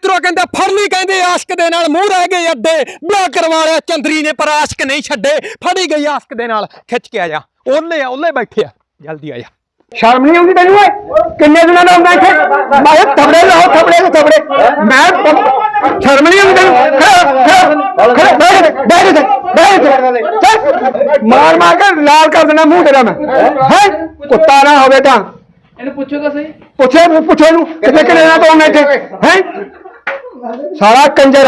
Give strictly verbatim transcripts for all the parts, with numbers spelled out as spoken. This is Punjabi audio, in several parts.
ਮਿੱਤਰੋ ਕਹਿੰਦੇ ਫੜ ਲਈ ਕਹਿੰਦੇ ਆਸ਼ਕ ਦੇ ਨਾਲ ਮੂੰਹ ਰਹਿ ਗਏ ਅੱਡੇ ਵਿਆਹ ਕਰਵਾ ਲਿਆ ਚੰਦਰੀ ਨੇ ਪਰ ਆਸ਼ਕ ਨਹੀਂ ਛੱਡੇ ਫੜੀ ਗਈ ਆਸ਼ਕ ਦੇ ਨਾਲ ਖਿੱਚ ਕੇ ਆ ਜਾ ਉਹਲੇ ਆ ਉਹਲੇ ਬੈਠੇ ਆ ਜਲਦੀ ਆ ਜਾ ਸ਼ਰਮ ਨਹੀਂ ਆਉਂਦੀ ਤੈਨੂੰ ਓਏ ਕਿੰਨੇ ਦਿਨਾਂ ਦਾ ਹੁੰਦਾ ਇੱਥੇ ਮੈਂ ਥਬੜੇ ਲਾਓ ਥਬੜੇ ਤੇ ਥਬੜੇ ਮੈਂ ਸ਼ਰਮ ਨਹੀਂ ਆਉਂਦੀ ਤੈਨੂੰ ਖੜਾ ਖੜਾ ਬੈਠ ਦੇ ਬੈਠ ਦੇ ਮਾਰ ਮਾਰ ਕੇ ਲਾਲ ਕਰ ਦੇਣਾ ਮੂੰਹ ਤੇਰਾ ਮੈਂ ਹੈ ਕੁੱਤਾ ਨਾ ਹੋਵੇ ਤਾਂ ਇਹਨੂੰ ਪੁੱਛੋ ਤਾਂ ਸਹੀ ਪੁੱਛੇ ਪੁੱਛੇ ਨੂੰ ਕਿੰਨੇ ਕਿੰਨੇ ਦਿਨਾਂ ਤੋਂ ਆਉਣਾ ਇੱਥੇ ਹੈ ਸਾਰਾ ਕੰਜਰ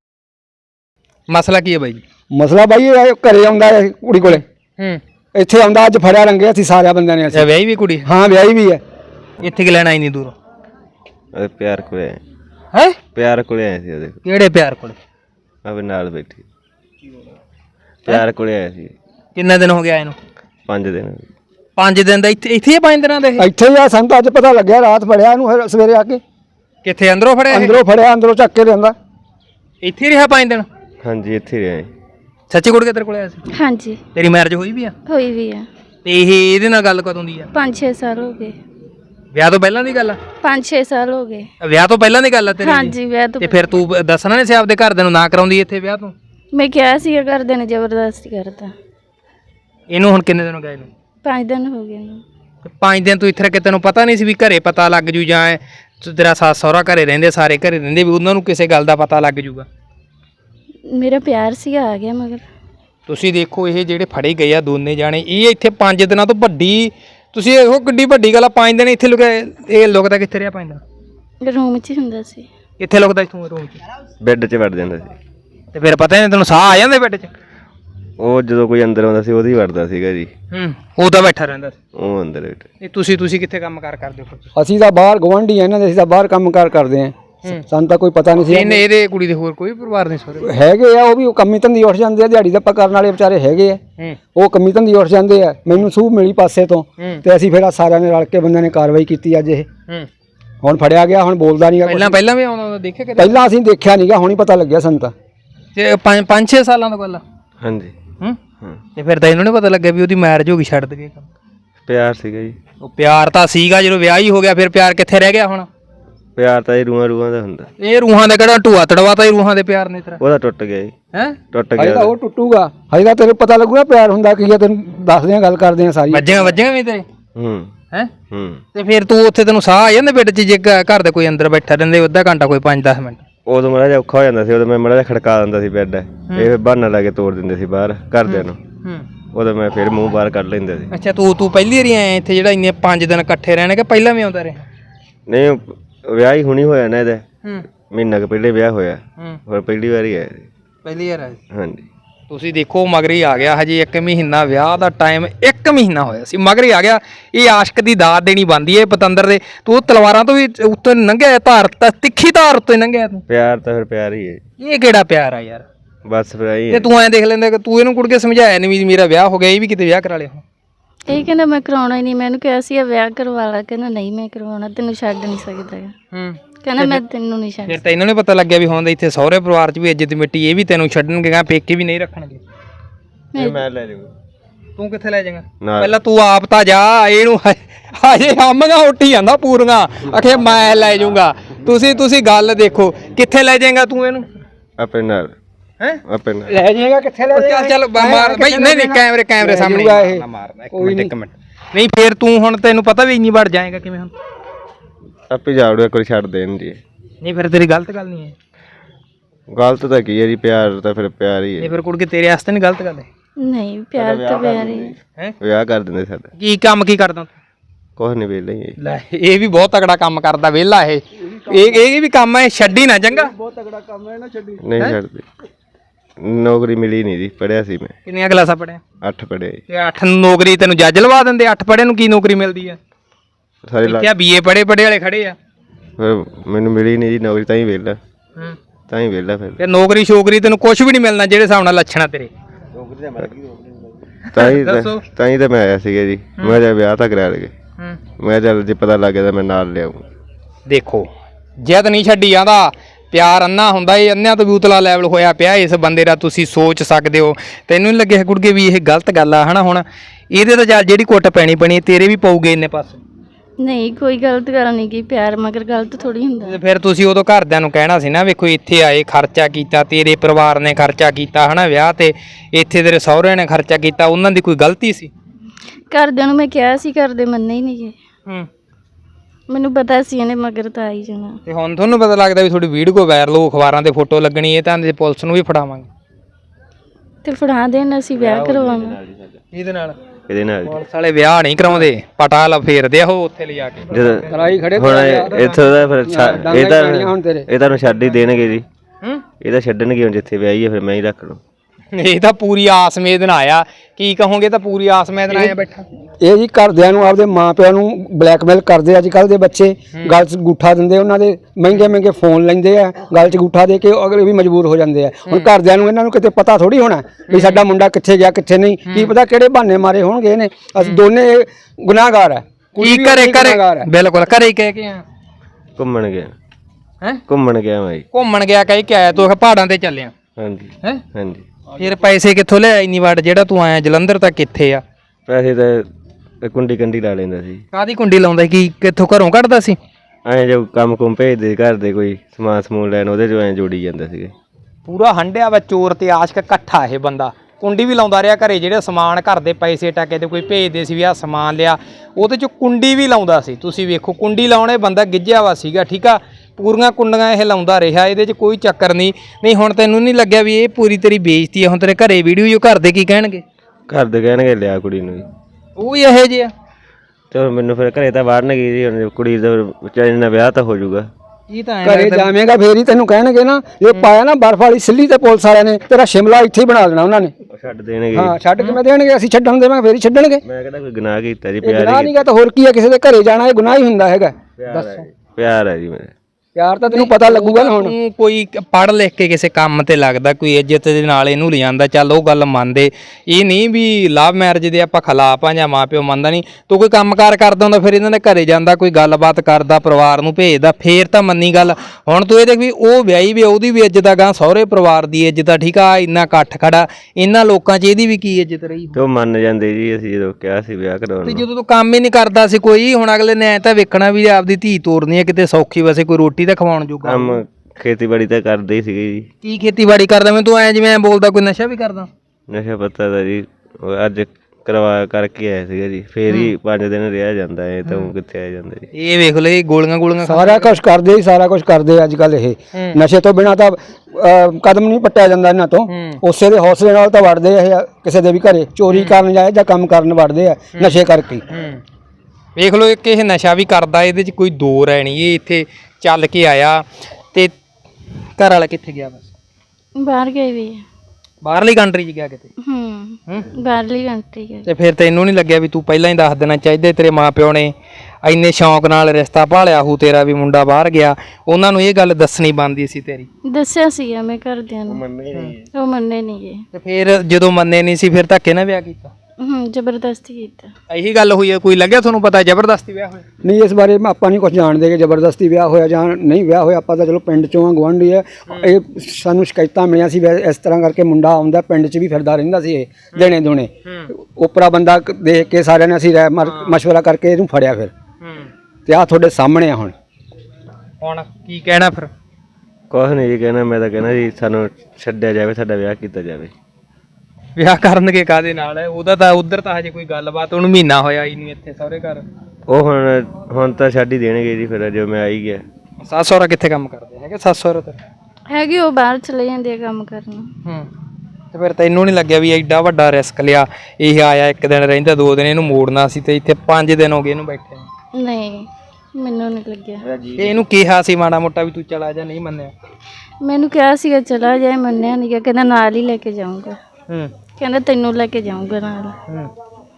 ਮਸਲਾ ਕੀ ਹੈ ਬਾਈ ਜੀ ਮਸਲਾ ਬਾਈ ਇਹ ਘਰੇ ਆਉਂਦਾ ਹੈ ਕੁੜੀ ਕੋਲੇ ਹੂੰ ਇੱਥੇ ਆਉਂਦਾ ਅੱਜ ਫੜਿਆ ਰੰਗੇ ਅਸੀਂ ਸਾਰਿਆਂ ਬੰਦਿਆਂ ਨੇ ਅੱਛਾ ਵਿਆਹੀ ਵੀ ਕੁੜੀ ਹਾਂ ਵਿਆਹੀ ਵੀ ਹੈ ਇੱਥੇ ਕਿ ਲੈਣਾ ਇੰਨੀ ਦੂਰੋਂ ਉਹਦੇ ਪਿਆਰ ਕੋਲੇ ਹੈ ਪਿਆਰ ਕੋਲੇ ਆਏ ਸੀ ਉਹਦੇ ਕਿਹੜੇ ਪਿਆਰ ਕੋਲ ਆਵੇ ਨਾਲ ਬੈਠੀ ਪਿਆਰ ਕੋਲੇ ਆਏ ਸੀ ਕਿੰਨੇ ਦਿਨ ਹੋ ਗਿਆ ਇਹਨੂੰ ਪੰਜ ਦਿਨ ਪੰਜ ਦਿਨ ਦਾ ਇੱਥੇ ਇੱਥੇ ਹੀ ਪੰਜ ਦਿਨਾਂ ਦੇ ਇੱਥੇ ਹੀ ਆ ਸਾਨੂੰ ਤਾਂ ਅੱਜ ਪਤਾ ਲੱਗਿਆ ਰਾਤ ਫੜਿਆ ਇਹਨੂੰ ਫਿਰ ਸਵੇਰੇ ਆ ਕੇ ਕਿੱਥੇ ਅੰਦਰੋਂ ਫੜਿਆ ਇਹ? ਅੰਦਰੋਂ ਫੜਿਆ ਅੰਦਰੋਂ ਚੱਕ ਕੇ ਲਿਆਂਦਾ ਇੱਥੇ ਹੀ ਰਿਹਾ ਪੰਜ ਦਿਨ ਹਾਂਜੀ ਇੱਥੇ ਰਹੇ ਸੱਚੀ ਕੁੜੀ ਤੇਰੇ ਕੋਲ ਆਇਆ ਸੀ ਹਾਂਜੀ ਤੇਰੀ ਮੈਰਿਜ ਹੋਈ ਵੀ ਆ ਹੋਈ ਵੀ ਆ ਤੇ ਇਹ ਇਹਦੇ ਨਾਲ ਗੱਲ ਕਦੋਂ ਦੀ ਆ ਪੰਜ ਛੇ ਸਾਲ ਹੋ ਗਏ ਵਿਆਹ ਤੋਂ ਪਹਿਲਾਂ ਦੀ ਗੱਲ ਆ ਪੰਜ ਛੇ ਸਾਲ ਹੋ ਗਏ ਵਿਆਹ ਤੋਂ ਪਹਿਲਾਂ ਦੀ ਗੱਲ ਆ ਤੇਰੀ ਹਾਂਜੀ ਵਿਆਹ ਤੋਂ ਤੇ ਫਿਰ ਤੂੰ ਦੱਸਣਾ ਨਹੀਂ ਸੀ ਆਪਦੇ ਘਰਦਿਆਂ ਨੂੰ ਨਾ ਕਰਾਉਂਦੀ ਇੱਥੇ ਵਿਆਹ ਤੋਂ ਮੈਂ ਕਿਹਾ ਸੀ ਘਰਦਿਆਂ ਨੇ ਜ਼ਬਰਦਸਤੀ ਕਰਤਾ ਇਹਨੂੰ ਹੁਣ ਕਿੰਨੇ ਦਿਨ ਹੋ ਗਏ ਇਹਨੂੰ ਪੰਜ ਦਿਨ ਹੋ ਗਏ ਨੇ ਤੇ ਪੰਜ ਦਿਨ ਤੂੰ ਇੱਥੇ ਰਹਿ ਕੇ ਤੈਨੂੰ ਪਤਾ ਨਹੀਂ ਸੀ ਵੀ ਘਰੇ ਪਤਾ ਲੱਗ ਜੂ ਜਾਂ ਐਂ ਤੂੰ ਤੇਰਾ ਸੱਸ ਸਹੁਰਾ ਘਰੇ ਰਹਿੰਦੇ ਸਾਰੇ ਘਰੇ ਰਹਿੰਦੇ ਵੀ ਉਹਨਾਂ ਨੂੰ ਕਿਸੇ ਗੱਲ ਦਾ ਪਤਾ ਲੱਗ ਜੂਗਾ ਮੇਰਾ ਪਿਆਰ ਸੀਗਾ ਆ ਗਿਆ ਮਗਰ ਤੁਸੀਂ ਦੇਖੋ ਇਹ ਜਿਹੜੇ ਫੜੇ ਗਏ ਆ ਦੋਨੇ ਜਾਣੇ ਇਹ ਇੱਥੇ ਪੰਜ ਦਿਨਾਂ ਤੋਂ ਵੱਡੀ ਤੁਸੀਂ ਇਹੋ ਕਿੱਡੀ ਵੱਡੀ ਗੱਲ ਆ ਪੰਜ ਦਿਨ ਇੱਥੇ ਲੁਕਿਆ ਇਹ ਲੁਕਦਾ ਕਿੱਥੇ ਰਿਹਾ ਪੰਜ ਦਿਨ ਰੂਮ 'ਚ ਹੀ ਹੁੰਦਾ ਸੀ ਕਿੱਥੇ ਲੁਕਦਾ ਤੂੰ ਰੂਮ 'ਚ ਬੈੱਡ 'ਚ ਵੜ ਜਾਂਦਾ ਸੀ ਤੇ ਫਿਰ ਪਤਾ ਨਹੀਂ ਤੈਨੂੰ ਸਾਹ ਆ ਜਾਂਦੇ ਬੈੱਡ 'ਚ ਉਹ ਜਦੋਂ ਕੋਈ ਅੰਦਰ ਆਉਂਦਾ ਸੀ ਉਹਦੀ ਵੜਦਾ ਸੀਗਾ ਜੀ ਹੂੰ ਉਹ ਤਾਂ ਬੈਠਾ ਰਹਿੰਦਾ ਸੀ ਉਹ ਅੰਦਰ ਬੈਠਾ ਇਹ ਤੁਸੀਂ ਤੁਸੀਂ ਕਿੱਥੇ ਕੰਮ ਕਾਰ ਕਰਦੇ ਹੋ ਫਿਰ ਅਸੀਂ ਤਾਂ ਬਾਹਰ ਗਵਾਂਢੀ ਆ ਇਹਨਾਂ ਦੇ ਅਸੀਂ ਤਾਂ ਬਾਹਰ ਕੰਮ ਕਾਰ ਕਰਦੇ ਆ ਸਾਨੂੰ ਤਾਂ ਕੋਈ ਪਤਾ ਨਹੀਂ ਸੀ ਇਹਨੇ ਇਹਦੇ ਕੁੜੀ ਦੇ ਹੋਰ ਕੋਈ ਪਰਿਵਾਰ ਨਹੀਂ ਸੋਰੇ ਹੈਗੇ ਆ ਉਹ ਵੀ ਕੰਮੀ ਧੰਦੀ ਉੱਠ ਜਾਂਦੇ ਆ ਦਿਹਾੜੀ ਦੱਪਾ ਕਰਨ ਵਾਲੇ ਵਿਚਾਰੇ ਹੈਗੇ ਆ ਹੂੰ ਉਹ ਕੰਮੀ ਧੰਦੀ ਉੱਠ ਜਾਂਦੇ ਆ ਮੈਨੂੰ ਸੂਹ ਮਿਲੀ ਪਾਸੇ ਤੋਂ ਹੂੰ। ਤੇ ਅਸੀਂ ਫਿਰ ਆ ਸਾਰਿਆਂ ਨੇ ਰਲ ਕੇ ਬੰਦਿਆਂ ਨੇ ਕਾਰਵਾਈ ਕੀਤੀ ਅੱਜ ਇਹ ਹੂੰ ਹੁਣ ਫੜਿਆ ਗਿਆ ਹੁਣ ਬੋਲਦਾ ਨਹੀਂਗਾ ਪਹਿਲਾਂ ਪਹਿਲਾਂ ਵੀ ਆਉਂਦਾ ਹੁੰਦਾ ਦੇਖਿਆ ਕਿਤੇ ਪਹਿਲਾਂ ਅਸੀਂ ਦੇਖਿਆ ਨਹੀਂਗਾ ਹੁਣ ਹੀ ਪਤਾ ਲੱਗਿਆ ਸਾਨੂੰ ਤਾਂ ਤੇ ਪੰਜ ਪੰਜ ਛੇ ਸਾਲਾਂ ਦਾ ਗੱਲ ਆ ਹਾਂਜੀ ਹੂੰ ਹਾਂ ਤੇ ਫਿਰ ਤਾਂ ਇਹਨੂੰ ਨਹੀਂ ਪਤਾ ਲੱਗਿਆ ਵੀ ਉਹਦੀ ਮੈਰਿਜ ਹੋ ਗਈ ਛੱਡ ਦੇ ਕੰਮ ਪਿਆਰ ਸੀਗਾ ਜੀ ਉਹ ਪਿਆਰ ਤਾਂ ਸੀਗਾ ਜਦੋਂ ਵਿਆਹ ਹੀ ਹੋ ਗਿਆ ਫਿਰ ਪਿਆਰ ਕਿੱਥੇ ਰਹਿ ਗਿਆ ਹੁਣ ਪਿਆਰ ਤਾਂ ਇਹ ਰੂਹਾਂ ਰੂਹਾਂ ਦਾ ਹੁੰਦਾ ਇਹ ਰੂਹਾਂ ਦਾ ਕਿਹੜਾ ਢੂਆ ਤੜਵਾਤਾ ਹੀ ਰੂਹਾਂ ਦੇ ਪਿਆਰ ਨੇ ਤੇਰਾ ਉਹਦਾ ਟੁੱਟ ਗਿਆ ਜੀ ਹੈ ਟੁੱਟ ਹਜੇ ਗਿਆ ਤਾਂ ਉਹ ਟੁੱਟੂਗਾ ਹਜੇ ਤਾਂ ਤੈਨੂੰ ਪਤਾ ਲੱਗੂਗਾ ਪਿਆਰ ਹੁੰਦਾ ਕੀ ਆ ਤੈਨੂੰ ਦੱਸਦੇ ਆ ਗੱਲ ਕਰਦੇ ਆ ਸਾਰੀ ਵੱਜੀਆਂ ਵੱਜੀਆਂ ਵੀ ਤੇਰੇ ਹੂੰ ਹੈ ਹੂੰ ਤੇ ਫਿਰ ਤੂੰ ਉੱਥੇ ਤੈਨੂੰ ਸਾਹ ਆ ਜਾਂਦੇ ਬੈੱਡ 'ਚ ਜੇ ਘ- ਘਰ ਦੇ ਕੋਈ ਅੰਦਰ ਬੈਠਾ ਰਹਿੰਦੇ ਅੱਧਾ ਘੰਟਾ ਕੋਈ ਪੰਜ ਦਸ ਮਿੰਟ ਉਦੋਂ ਮਾੜਾ ਜਿਹਾ ਔਖਾ ਹੋ ਜਾਂਦਾ ਸੀ ਉਦੋਂ ਮੈਂ ਮਾੜਾ ਜਿਹਾ ਖੜਕਾ ਦਿੰਦਾ ਸੀ ਬੈੱਡ ਇਹ ਬਹਾਨਾ ਲਾ ਕੇ ਤੋੜ ਦਿੰਦੇ ਸੀ ਬਾਹਰ ਘਰਦਿਆਂ ਨੂੰ ਹੂੰ ਉਦੋਂ ਮੈਂ ਫਿਰ ਮੂੰਹ ਬਾਹਰ ਕੱਢ ਲੈਂਦਾ ਸੀ ਅੱਛਾ ਤੂੰ ਤੂੰ ਪਹਿਲੀ ਵਾਰੀ ਆਇਆ ਇੱਥੇ ਜਿਹੜਾ ਇੰਨੇ ਪੰਜ ਦਿਨ ਇਕੱਠੇ ਰਹਿਣੇ ਕਿ ਪਹਿਲਾਂ ਵੀ ਆਉਂਦਾ ਰਿਹਾ ਨਹੀਂ ਉਹ ਵਿਆਹ ਹੀ ਹੁਣੀ ਹੋਇਆ ਨਾ ਇਹਦਾ ਹੂੰ ਮਹੀਨਾ ਕੁ ਪਹਿਲੇ ਵਿਆਹ ਹੋਇਆ ਹੂੰ ਹੋਰ ਪਹਿਲੀ ਵਾਰੀ ਆਇਆ ਸੀ। ਪਹਿਲੀ ਵਾਰ ਆਇਆ ਹਾਂਜੀ ਤੁਸੀਂ ਦੇਖੋ ਮਗਰੀ ਆ ਗਿਆ ਹਜੇ ਇੱਕ ਮਹੀਨਾ ਵਿਆਹ ਦਾ ਟਾਈਮ ਇੱਕ ਮਹੀਨਾ ਹੋਇਆ ਸੀ ਮਗਰੀ ਆ ਗਿਆ ਇਹ ਆਸ਼ਕ ਦੀ ਦਾਤ ਦੇਣੀ ਬਣਦੀ ਹੈ ਪਤੰਦਰ ਦੇ ਤੂੰ ਤਲਵਾਰਾਂ ਤੋਂ ਵੀ ਉੱਤੇ ਲੰਘਿਆ ਧਾਰ ਤਾਂ ਤਿੱਖੀ ਧਾਰ ਉੱਤੇ ਲੰਘਿਆ ਤੂੰ ਪਿਆਰ ਤਾਂ ਫਿਰ ਪਿਆਰ ਹੀ ਹੈ ਇਹ ਕਿਹੜਾ ਪਿਆਰ ਆ ਯਾਰ ਬਸ ਫਿਰ ਆਈ ਤੇ ਤੂੰ ਐਂ ਦੇਖ ਲੈਂਦਾ ਕਿ ਤੂੰ ਇਹਨੂੰ ਕੁੜ ਕੇ ਸਮਝਾਇਆ ਨਹੀਂ ਵੀ ਮੇਰਾ ਵਿਆਹ ਹੋ ਗਿਆ ਇਹ ਵੀ ਕਿਤੇ ਵਿਆਹ ਕਰਾ ਲਿਆ ਇਹ ਕਹਿੰਦਾ ਮੈਂ ਕਰਾਉਣਾ ਹੀ ਨਹੀਂ ਮੈਨੂੰ ਕਿਹਾ ਸੀ ਇਹ ਵਿਆਹ ਕਰਵਾ ਲਾ ਕਹਿੰਦਾ ਨਹੀਂ ਮੈਂ ਕਰਵਾਉਣਾ ਤੈਨੂੰ ਛੱਡ ਨਹੀਂ ਸਕਦਾ ਹੂੰ ਕਹਿੰਦਾ ਮੈਂ ਤੈਨੂੰ ਨਹੀਂ ਛੱਡ ਫਿਰ ਤਾਂ ਇਹਨਾਂ ਨੂੰ ਪਤਾ ਲੱਗਿਆ ਵੀ ਹੁਣ ਇੱਥੇ ਸਹੁਰੇ ਪਰਿਵਾਰ 'ਚ ਵੀ ਇੱਜ਼ਤ ਮਿੱਟੀ ਇਹ ਵੀ ਤੈਨੂੰ ਛੱਡਣਗੇ ਗਾ ਪੇਕੇ ਵੀ ਨਹੀਂ ਰੱਖਣਗੇ ਮੈਂ ਲੈ ਜਾਊਂਗਾ ਤੂੰ ਕਿੱਥੇ ਲੈ ਜਾਏਗਾ ਨਾਲ। ਪਹਿਲਾਂ ਤੂੰ ਆਪ ਤਾਂ ਜਾ ਇਹਨੂੰ ਹਜੇ ਹੰਮਗਾ ਉੱਠੀ ਜਾਂਦਾ ਪੂਰੀਆਂ ਅਖੇ ਮੈਂ ਲੈ ਜਾਊਂਗਾ ਤੁਸੀਂ ਤੁਸੀਂ ਗੱਲ ਦੇਖੋ ਕਿੱਥੇ ਲੈ ਜਾਏਗਾ ਤੂੰ ਇਹਨੂੰ ਆਪਣੇ ਨਾਲ ਹੈ ਆਪਣੇ ਨਾਲ ਲੈ ਜਾਏਗਾ ਕਿੱਥੇ ਲੈ ਚੱਲ ਚੱਲ ਮਾਰ ਬਈ ਨਹੀਂ ਨਹੀਂ ਕੈਮਰੇ ਕੈਮਰੇ ਸਾਹਮਣੇ ਇਹ। ਨਾ ਮਾਰਨਾ ਇੱਕ ਮਿੰਟ ਇੱਕ ਮਿੰਟ ਨਹੀਂ ਫੇਰ ਤੂੰ ਹੁਣ ਤੈਨੂੰ ਪਤਾ ਵੀ ਇੰਨੀ ਵਾਰ ਜਾਏਗਾ ਕਿਵੇਂ ਹੁਣ ਆਪੇ ਜਾਵੜੂ ਇੱਕ ਵਾਰੀ ਛੱਡ ਦੇਣ ਜੀ ਨਹੀਂ ਫਿਰ ਤੇਰੀ ਗਲਤ ਗੱਲ ਨਹੀਂ ਹੈ ਗਲਤ ਤਾਂ ਕੀ ਹੈ ਜੀ ਪਿਆਰ ਤਾਂ ਫਿਰ ਪਿਆਰ ਹੀ ਨਹੀਂ ਹੈ ਫਿਰ ਕੁੜ ਕੇ ਤੇਰੇ ਵਾਸਤੇ ਨਹੀਂ ਗਲਤ ਗੱਲ ਹੈ ਨਹੀਂ ਪਿਆਰ ਤਾਂ ਪਿਆਰ ਹੀ ਹੈ ਵਿਆਹ ਕਰ ਦਿੰਦੇ ਸਾਡਾ ਕੀ ਕੰਮ ਕੀ ਕਰਦਾ ਤੂੰ ਕੁਛ ਨਹੀਂ ਵੇਲੇ ਹੀ ਹੈ। ਲੈ ਇਹ ਵੀ ਬਹੁਤ ਤਗੜਾ ਕੰਮ ਕਰਦਾ ਵਿਹਲਾ ਇਹ ਇਹ ਇਹ ਵੀ ਕੰਮ ਹੈ ਛੱਡੀ ਨਾ ਚੰਗਾ ਨਹੀਂ ਛੱਡਦੇ ਨੌਕਰੀ ਮਿਲੀ ਨਹੀਂ ਜੀ ਪੜਿਆ ਸੀ ਮੈਂ ਕਿੰਨੀਆਂ ਕਲਾਸਾਂ ਪੜਿਆ ਅੱਠ ਪੜਿਆ ਜੀ ਤੇ ਅੱਠ ਨੌਕਰੀ ਤੈਨੂੰ ਜੱਜ ਲਵਾ ਦਿੰਦੇ ਅੱਠ ਪੜ੍ਹੇ ਨੂੰ ਕੀ ਨੌਕਰੀ ਮਿਲਦੀ ਆ ਸਾਰੇ ਲੱਗ ਕਿਹਾ ਬੀਏ ਪੜ੍ਹੇ ਪੜ੍ਹੇ ਵਾਲੇ ਖੜੇ ਆ ਫਿਰ ਮੈਨੂੰ ਮਿਲੀ ਨਹੀਂ ਜੀ ਨੌਕਰੀ ਤਾਂ ਹੀ ਵੇਲਾ ਹੂੰ ਤਾਂ ਹੀ ਵੇਲਾ ਫਿਰ ਤੇ ਨੌਕਰੀ ਸ਼ੋਕਰੀ ਤੈਨੂੰ ਕੁਝ ਵੀ ਨਹੀਂ ਮਿਲਣਾ ਜਿਹੜੇ ਹਿਸਾਬ ਨਾਲ ਲੱਛਣਾ ਤੇਰੇ ਤਾਂ ਹੀ ਦੱਸੋ। ਤਾਂ ਹੀ ਤਾਂ ਮੈਂ ਆਇਆ ਸੀਗਾ ਜੀ ਮੈਂ ਕਿਹਾ ਵਿਆਹ ਤਾਂ ਕਰਾ ਲਗੇ ਹੂੰ ਮੈਂ ਕਿਹਾ ਚੱਲ ਜੇ ਪਤਾ ਲੱਗ ਗਿਆ ਤਾਂ ਮੈਂ ਨਾਲ ਲਿਆਊਂ ਦੇਖੋ ਜਿੱਦ ਨਹੀਂ ਛੱਡੀ ਜਾਂਦਾ ਪਿਆਰ ਅੰਨਾ ਹੁੰਦਾ ਇਹ ਅੰਨਿਆਂ ਤੋਂ ਵੀ ਉਤਲਾ ਲੈਵਲ ਹੋਇਆ ਪਿਆ ਇਸ ਬੰਦੇ ਦਾ ਤੁਸੀਂ ਸੋਚ ਸਕਦੇ ਹੋ ਤੈਨੂੰ ਨਹੀਂ ਲੱਗਿਆ ਗੁੜਗੇ ਵੀ ਇਹ ਗਲਤ ਗੱਲ ਆ ਹਨਾ ਹੁਣ ਇਹਦੇ ਤਾਂ ਚੱਲ ਜਿਹੜੀ ਕੁੱਟ ਪੈਣੀ ਪੈਣੀ ਤੇਰੇ ਵੀ ਪਊਗੇ ਇੰਨੇ ਪਾਸੇ ਨਹੀਂ ਕੋਈ ਗਲਤ ਗੱਲ ਨਹੀਂ ਕੀ, ਪਿਆਰ ਮਗਰ ਗਲਤ ਥੋੜੀ ਹੁੰਦਾ। ਤੇ ਫਿਰ ਤੁਸੀਂ ਉਦੋਂ ਘਰਦਿਆਂ ਨੂੰ ਕਹਿਣਾ ਸੀ ਨਾ, ਵੇਖੋ ਇੱਥੇ ਆਏ ਖਰਚਾ ਕੀਤਾ, ਤੇਰੇ ਪਰਿਵਾਰ ਨੇ ਖਰਚਾ ਕੀਤਾ ਹਨਾ ਵਿਆਹ ਤੇ, ਇੱਥੇ ਤੇਰੇ ਸਹੁਰਿਆਂ ਨੇ ਖਰਚਾ ਕੀਤਾ, ਉਹਨਾਂ ਦੀ ਕੋਈ ਗਲਤੀ ਸੀ? ਘਰਦਿਆਂ ਨੂੰ ਮੈਂ ਕਿਹਾ ਸੀ, ਘਰਦੇ ਮੰਨੇ ਹੀ ਨਹੀਂ ਗਏ। ਹੂੰ। ਮੈਨੂੰ ਪਤਾ ਸੀ ਇਹਨੇ ਮਗਰ ਤਾਂ ਆ ਹੀ ਜਾਣਾ। ਤੇ ਹੁਣ ਤੁਹਾਨੂੰ ਪਤਾ ਲੱਗਦਾ ਵੀ ਤੁਹਾਡੀ ਵੀਡੀਓ ਵਾਇਰਲ ਹੋ, ਅਖਬਾਰਾਂ ਤੇ ਫੋਟੋ ਲੱਗਣੀ, ਇਹ ਤਾਂ ਪੁਲਿਸ ਨੂੰ ਵੀ ਫੜਾਵਾਂਗੇ। ਤੇ ਫੜਾ ਦੇਣ, ਅਸੀਂ ਵਿਆਹ ਕਰਵਾਉਣਾ। ਇਹਦੇ ਨਾਲ ਇਹਦੇ ਨਾਲ ਪੁਲਿਸ ਵਾਲੇ ਵਿਆਹ ਨਹੀਂ ਕਰਾਉਂਦੇ, ਪਟਾ ਲ ਫੇਰਦੇ ਆ ਉਹ ਉੱਥੇ ਲਿਜਾ ਕੇ। ਜਦੋਂ ਕਰਾਈ ਖੜੇ ਹੁਣ ਇੱਥੋਂ ਦਾ ਫਿਰ ਛੱਡ- ਇਹ ਤਾਂ ਹੁਣ ਤੇਰੇ ਇਹ ਤੁਹਾਨੂੰ ਛੱਡ ਹੀ ਦੇਣਗੇ ਜੀ, ਹੂੰ। ਇਹ ਤਾਂ ਛੱਡਣਗੇ ਹੁਣ, ਜਿੱਥੇ ਵਿਆਹੀ ਹੈ ਫਿਰ ਮੈਂ ਹੀ ਰੱਖ ਲੂੰ। ਇਹ ਤਾਂ ਪੂਰੀ ਆਸ ਮੇਦ ਨਾਲ ਆਇਆ, ਕੀ ਕਹੋਗੇ? ਤਾਂ ਪੂਰੀ ਆਸ ਮੇਦ ਨਾਲ ਆਇਆ ਬੈਠਾ। ਇਹ ਜੀ ਘਰਦਿਆਂ ਨੂੰ ਆਪਦੇ ਮਾਪਿਆਂ ਨੂੰ ਬਲੈਕਮੇਲ ਕਰਦੇ ਅੱਜ ਕੱਲ ਦੇ ਬੱਚੇ, ਗਲ 'ਚ ਅੰਗੂਠਾ ਦਿੰਦੇ, ਉਹਨਾਂ ਦੇ ਮਹਿੰਗੇ ਮਹਿੰਗੇ ਫੋਨ ਲੈਂਦੇ ਆ, ਗਲ 'ਚ ਅੰਗੂਠਾ ਦੇ ਕੇ ਅਗਲੇ ਵੀ ਮਜਬੂਰ ਹੋ ਜਾਂਦੇ ਆ। ਹੁਣ ਘਰਦਿਆਂ ਨੂੰ ਇਹਨਾਂ ਨੂੰ ਕਿਤੇ ਪਤਾ ਥੋੜੀ ਹੋਣਾ ਵੀ ਸਾਡਾ ਮੁੰਡਾ ਕਿੱਥੇ ਗਿਆ ਕਿੱਥੇ ਨਹੀਂ, ਕੀ ਪਤਾ ਕਿਹੜੇ ਬਹਾਨੇ ਮਾਰੇ ਹੋਣਗੇ ਇਹਨੇ। ਅਸੀਂ ਦੋਨੇ ਗੁਨਾਹਗਾਰ ਆ। ਕੀ ਘਰੇ ਘਰੇ ਬਿਲਕੁਲ ਘਰੇ ਹੀ ਕਹਿ ਕੇ ਆ ਘੁੰਮਣ ਗਿਆ, ਹੈ ਘੁੰਮਣ ਗਿਆ ਮੈਂ ਜੀ। ਘੁੰਮਣ ਗਿਆ ਕਹਿ ਕੇ ਆਇਆ ਤੂੰ, ਪਹਾੜਾਂ ਤੇ ਚੱਲਿਆ ਹਾਂਜੀ ਹੈ? ਹਾਂਜੀ। ਫਿਰ ਪੈਸੇ ਕਿੱਥੋਂ ਲਿਆ ਇੰਨੀ ਵਾਰ ਜਿਹੜਾ ਤੂੰ ਆਇਆ ਜਲੰਧਰ ਤੱਕ? ਕਿੱਥੇ ਆ ਪੈਸੇ ਤਾਂ ਕੁੰਡੀ ਕੰਡੀ ਲਾ ਲੈਂਦਾ ਸੀ। ਕਾਦੀ ਕੁੰਡੀ ਲਾਉਂਦਾ ਸੀ? ਕੀ ਕਿੱਥੋਂ ਘਰੋਂ ਕੱਢਦਾ ਸੀ? ਐਂ ਜੋ ਕੰਮ ਕੁੰਮ ਭੇਜਦੇ ਘਰ ਦੇ, ਕੋਈ ਸਮਾਨ ਸਮੂਨ ਲੈਣ, ਉਹਦੇ ਚੋਂ ਐਂ ਜੋੜੀ ਜਾਂਦਾ ਸੀਗੇ। ਪੂਰਾ ਹੰਡਿਆ ਵਾ ਚੋਰ ਤੇ ਆਸ਼ਕ ਇਕੱਠਾ ਇਹ ਬੰਦਾ। ਕੁੰਡੀ ਵੀ ਲਾਉਂਦਾ ਰਿਹਾ ਘਰੇ, ਜਿਹੜੇ ਸਮਾਨ ਘਰ ਦੇ ਪੈਸੇ ਟਕੇ ਤੇ ਕੋਈ ਭੇਜਦੇ ਸੀ ਵੀ ਆਹ ਸਮਾਨ ਲਿਆ, ਉਹਦੇ ਚ ਕੁੰਡੀ ਵੀ ਲਾਉਂਦਾ ਸੀ। ਤੁਸੀਂ ਵੇਖੋ ਕੁੰਡੀ ਲਾਉਣੇ ਬੰਦਾ ਗਿੱਜਿਆ ਵਾ ਸੀਗਾ, ਠੀਕ ਆ, ਪੂਰੀਆਂ ਕੁੰਡੀਆਂ ਇਹ ਲਾਉਂਦਾ ਰਿਹਾ, ਇਹਦੇ 'ਚ ਕੋਈ ਚੱਕਰ ਨਹੀਂ। ਨਹੀਂ ਹੁਣ ਤੈਨੂੰ ਨਹੀਂ ਲੱਗਿਆ ਵੀ ਇਹ ਪੂਰੀ ਤੇਰੀ ਬੇਇੱਜ਼ਤੀ ਹੈ? ਹੁਣ ਤੇਰੇ ਘਰੇ ਵੀਡੀਓ ਜੋ ਘਰ ਦੇ ਕੀ ਕਹਿਣਗੇ? ਘਰ ਦੇ ਕਹਿਣਗੇ ਲਿਆ ਕੁੜੀ ਨੂੰ ਜੀ, ਉਹ ਵੀ ਇਹੋ ਜਿਹੇ ਆ। ਤੇ ਮੈਨੂੰ ਫਿਰ ਘਰੇ ਤਾਂ ਵਾੜਨਗੇ ਜੀ, ਹੁਣ ਕੁੜੀ ਦਾ ਵਿਚਾਰੀ ਨਾਲ ਵਿਆਹ ਤਾਂ ਹੋ ਜਾਊਗਾ। ਇਹ ਤਾਂ ਘਰੇ ਜਾਵੇਂਗਾ ਫੇਰ ਹੀ ਤੈਨੂੰ ਕਹਿਣਗੇ ਨਾ, ਇਹ ਪਾਇਆ ਨਾ ਬਰਫ ਵਾਲੀ ਸਿੱਲੀ ਤੇ ਪੁਲਿਸ ਵਾਲਿਆਂ ਨੇ, ਤੇਰਾ ਸ਼ਿਮਲਾ ਇੱਥੇ ਹੀ ਬਣਾ ਦੇਣਾ ਉਹਨਾਂ ਨੇ। ਛੱਡ ਦੇਣਗੇ। ਹਾਂ ਛੱਡ ਕਿਵੇਂ ਦੇਣਗੇ? ਅਸੀਂ ਛੱਡਣ ਦੇਵਾਂਗੇ ਫੇਰ ਹੀ ਛੱਡਣਗੇ। ਮੈਂ ਕਿਹੜਾ ਕੋਈ ਗੁਨਾਹ ਕੀਤਾ ਜੀ? ਇਹ ਪਿਆਰ ਗੁਨਾਹ ਹੀ ਨਹੀਂਗਾ ਤਾਂ ਹੋਰ ਕੀ ਹੈ? ਕਿਸੇ ਦੇ ਘਰੇ ਜਾਣਾ ਇਹ ਗੁਨਾਹ ਹੀ ਹੁੰਦਾ ਹੈਗਾ। ਪਿਆਰ ਹੈ, ਪਿਆਰ ਹੈ ਜੀ ਮੇਰਾ। ਪਿਆਰ ਤਾਂ ਤੈਨੂੰ ਪਤਾ ਲੱਗੂਗਾ ਨਾ ਹੁਣ। ਤੂੰ ਕੋਈ ਪੜ੍ਹ ਲਿਖ ਕੇ ਕਿਸੇ ਕੰਮ ਤੇ ਲੱਗਦਾ, ਕੋਈ ਇੱਜ਼ਤ ਦੇ ਨਾਲ ਇਹਨੂੰ ਲਿਜਾਂਦਾ, ਚੱਲ ਉਹ ਗੱਲ ਮੰਨਦੇ। ਇਹ ਨਹੀਂ ਵੀ ਲਵ ਮੈਰਿਜ ਦੇ ਆਪਾਂ ਖਿਲਾਫ ਆ ਜਾਂ ਮਾਪਿਓ ਮੰਨਦਾ ਨਹੀਂ। ਤੂੰ ਕੋਈ ਕੰਮਕਾਰ ਕਰਦਾ ਹੁੰਦਾ, ਫਿਰ ਇਹਨਾਂ ਦੇ ਘਰੇ ਜਾਂਦਾ, ਕੋਈ ਗੱਲਬਾਤ ਕਰਦਾ, ਪਰਿਵਾਰ ਨੂੰ ਭੇਜਦਾ, ਫੇਰ ਤਾਂ ਮੰਨੀ ਗੱਲ। ਹੁਣ ਤੂੰ ਇਹ ਦੇਖ ਵੀ ਉਹ ਵਿਆਹੀ ਵੀ, ਉਹਦੀ ਵੀ ਇੱਜ਼ਤ ਆ, ਗਾਂ ਸਹੁਰੇ ਪਰਿਵਾਰ ਦੀ ਇੱਜ਼ਤ ਆ, ਠੀਕ ਆ, ਇੰਨਾ ਇਕੱਠ ਖੜਾ, ਇਹਨਾਂ ਲੋਕਾਂ 'ਚ ਇਹਦੀ ਵੀ ਕੀ ਇੱਜ਼ਤ ਰਹੀ? ਤੇ ਉਹ ਮੰਨ ਜਾਂਦੇ ਜੀ, ਅਸੀਂ ਜਦੋਂ ਕਿਹਾ ਸੀ ਵਿਆਹ ਕਰਾਉਣ ਤੇ ਨੂੰ। ਜਦੋਂ ਤੂੰ ਕੰਮ ਹੀ ਨਹੀਂ ਕਰਦਾ ਸੀ ਕੋਈ, ਹੁਣ ਅਗਲੇ ਨੇ ਐ ਤਾਂ ਵੇਖਣਾ ਵੀ ਆਪਦੀ ਧੀ ਤੋਰਨੀ ਹੈ ਕਿਤੇ ਸੌਖੀ, ਵੈਸੇ ਕੋਈ ਰੋਟੀ ਤਾਂ ਖਵਾਉਣ ਜੋਗਾ। ਕੰਮ ਖੇਤੀਬਾੜੀ ਤਾਂ ਕਰਦੇ ਹੀ ਸੀਗੇ ਜੀ। ਕੀ ਖੇਤੀਬਾੜੀ ਕਰਦਾ? ਮੈਂ ਤੂੰ ਐ ਜਿਵੇਂ ਐਂ ਬੋਲਦਾ ਕੋਈ ਨਸ਼ਾ ਵੀ ਕਰਦਾ? ਨਸ਼ਾ ਪਤਾ ਤਾਂ ਜੀ ਉਹ ਅੱਜ ਕਰਵਾ ਕਰਕੇ ਆਇਆ ਸੀਗਾ ਜੀ, ਫੇਰ ਹੀ ਪੰਜ ਦਿਨ ਰਿਹਾ ਜਾਂਦਾ ਹੈ, ਤਾਂ ਉਹ ਕਿੱਥੇ ਆ ਜਾਂਦਾ ਜੀ। ਇਹ ਵੇਖ ਲੈ, ਗੋਲੀਆਂ ਗੋਲੀਆਂ ਸਾਰਾ ਕੁਝ ਕਰਦੇ ਹੀ ਸਾਰਾ ਕੁਝ ਕਰਦੇ ਅੱਜ ਕੱਲ। ਇਹ ਨਸ਼ੇ ਤੋਂ ਬਿਨਾ ਤਾਂ ਅਹ, ਕਦਮ ਨਹੀਂ ਪੱਟਿਆ ਜਾਂਦਾ ਇਹਨਾਂ ਤੋਂ। ਉਸੇ ਦੇ ਹੌਸਲੇ ਨਾਲ ਤਾਂ ਵੜਦੇ ਆ ਇਹ, ਕਿਸੇ ਦੇ ਵੀ ਘਰੇ ਚੋਰੀ ਕਰਨ ਜਾਏ ਜਾਂ ਕੰਮ ਕਰਨ ਵੜਦੇ ਆ ਨਸ਼ੇ ਕਰਕੇ। ਵੇਖ ਲਓ, ਇੱਕ ਇਹ ਨਸ਼ਾ ਵੀ ਕਰਦਾ, ਇਹਦੇ 'ਚ ਕੋਈ ਦੋ ਰਹਿ ਨਹੀਂ। ਇਹ ਇੱਥੇ ਚੱਲ ਕੇ ਆਇਆ ਤੇ ਘਰ ਵਾਲਾ ਕਿੱਥੇ ਗਿਆ? ਬਸ ਬਾਹਰ ਗਏ ਵੀ ਆ। ਬਾਹਰਲੀ ਕੰਟਰੀ 'ਚ ਗਿਆ ਕਿਤੇ? ਹੂੰ ਬਾਹਰਲੀ ਕੰਟਰੀ ਗਏ। ਤੇ ਫਿਰ ਤੈਨੂੰ ਨਹੀਂ ਲੱਗਿਆ ਵੀ ਤੂੰ ਪਹਿਲਾਂ ਹੀ ਦੱਸ ਦੇਣਾ ਚਾਹੀਦਾ? ਤੇਰੇ ਮਾਪਿਓ ਨੇ ਇੰਨੇ ਸ਼ੌਂਕ ਨਾਲ ਰਿਸ਼ਤਾ ਭਾਲਿਆ ਹੂ ਤੇਰਾ ਵੀ ਮੁੰਡਾ ਬਾਹਰ ਗਿਆ, ਉਹਨਾਂ ਨੂੰ ਇਹ ਗੱਲ ਦੱਸਣੀ ਬਣਦੀ ਸੀ ਤੇਰੀ। ਦੱਸਿਆ ਸੀਗਾ ਮੈਂ ਘਰਦਿਆਂ ਨੂੰ, ਉਹ ਮੰਨੇ ਨਹੀਂ ਗਏ। ਤੇ ਫਿਰ ਜਦੋਂ ਮੰਨੇ ਨਹੀਂ ਸੀ, ਫਿਰ ਧੱਕੇ ਨਾਲ ਵਿਆਹ ਕੀਤਾ? ਹੂੰ ਜ਼ਬਰਦਸਤੀ ਕੀਤਾ। ਇਹੀ ਗੱਲ ਹੋਈ ਹੈ? ਕੋਈ ਲੱਗਿਆ ਤੁਹਾਨੂੰ ਪਤਾ ਜ਼ਬਰਦਸਤੀ ਵਿਆਹ ਹੋਇਆ? ਨਹੀਂ ਇਸ ਬਾਰੇ ਆਪਾਂ ਨਹੀਂ ਕੁਝ ਜਾਣਦੇ ਕਿ ਜ਼ਬਰਦਸਤੀ ਵਿਆਹ ਹੋਇਆ ਜਾਂ ਨਹੀਂ ਵਿਆਹ ਹੋਇਆ। ਆਪਾਂ ਤਾਂ ਚਲੋ ਪਿੰਡ ਚੋਂ ਆ, ਗੁਆਂਢੀ ਹੈ। ਇਹ ਸਾਨੂੰ ਸ਼ਿਕਾਇਤਾਂ ਮਿਲੀਆਂ ਸੀ ਵੈ- ਇਸ ਤਰ੍ਹਾਂ ਕਰਕੇ ਮੁੰਡਾ ਆਉਂਦਾ, ਪਿੰਡ 'ਚ ਵੀ ਫਿਰਦਾ ਰਹਿੰਦਾ ਸੀ ਇਹ ਦੇਣੇ ਦੋਣੇ। ਉਪਰਾ ਬੰਦਾ ਕ- ਦੇਖ ਕੇ ਸਾਰਿਆਂ ਨੇ ਅਸੀਂ ਰਾਏ ਮਰ- ਮਸ਼ਵਰਾ ਕਰਕੇ ਇਹਨੂੰ ਫੜਿਆ ਫਿਰ। ਤੇ ਆਹ ਤੁਹਾਡੇ ਸਾਹਮਣੇ ਆ ਹੁਣ। ਹੁਣ ਕੀ ਕਹਿਣਾ ਫਿਰ? ਕੁਛ ਨਹੀਂ ਜੀ ਕਹਿਣਾ, ਮੈਂ ਤਾਂ ਕਹਿਣਾ ਜੀ ਸਾਨੂੰ ਛੱਡਿਆ ਜਾਵੇ, ਸਾਡਾ ਵਿਆਹ ਕੀਤਾ ਜਾਵੇ। ਵਿਆਹ ਕਰਨਗੇ ਕਾਹਦੇ ਨਾਲ? ਉਹਦਾ ਤਾਂ ਉਧਰ ਤਾਂ ਹਜੇ ਕੋਈ ਗੱਲਬਾਤ, ਉਹਨੂੰ ਮਹੀਨਾ ਹੋਇਆ ਹੀ ਨਹੀਂ ਇੱਥੇ ਸਹੁਰੇ ਘਰ। ਉਹ ਹੁਣ ਹੁਣ ਤਾਂ ਛੱਡ ਹੀ ਦੇਣਗੇ ਜੀ, ਫਿਰ ਜੋ ਮੈਂ ਆਈ ਗਿਆ। ਸੱਸ ਸਹੁਰਾ ਕਿੱਥੇ ਕੰਮ ਕਰਦੇ ਹੈਗੇ? ਸੱਸ ਸਹੁਰਾ ਤੇ ਹੈਗੇ, ਉਹ ਬਾਹਰ ਚਲੇ ਜਾਂਦੇ ਆ ਕੰਮ ਕਰਨ। ਹੂੰ। ਤੇ ਫਿਰ ਤੈਨੂੰ ਨਹੀਂ ਲੱਗਿਆ ਵੀ ਐਡਾ ਵੱਡਾ ਰਿਸਕ ਲਿਆ? ਇਹ ਆਇਆ ਇੱਕ ਦਿਨ ਰਹਿੰਦਾ, ਦੋ ਦਿਨ ਇਹਨੂੰ ਮੋੜਨਾ ਸੀ, ਤੇ ਇੱਥੇ ਪੰਜ ਦਿਨ ਹੋ ਗਏ ਇਹਨੂੰ ਬੈਠੇ ਨੂੰ। ਨਹੀਂ ਮੈਨੂੰ ਨਹੀਂ ਲੱਗਿਆ। ਤੇ ਇਹਨੂੰ ਕਿਹਾ ਸੀ ਮਾੜਾ ਮੋਟਾ ਵੀ ਤੂੰ ਚਲਾ ਜਾ, ਨਹੀਂ ਮੰਨਿਆ? ਮੈਨੂੰ ਕਿਹਾ ਸੀਗਾ ਚਲਾ ਜਾਏ, ਮੰਨਿਆ ਨਹੀਂ ਗਿਆ। ਕਹਿੰਦਾ ਨਾਲ ਹੀ ਲੈ ਕੇ ਜਾਊਂਗਾ। ਹੂੰ ਕਹਿੰਦਾ ਤੈਨੂੰ ਲੈ ਕੇ ਜਾਊਂਗਾ ਨਾਲ। ਹੂੰ।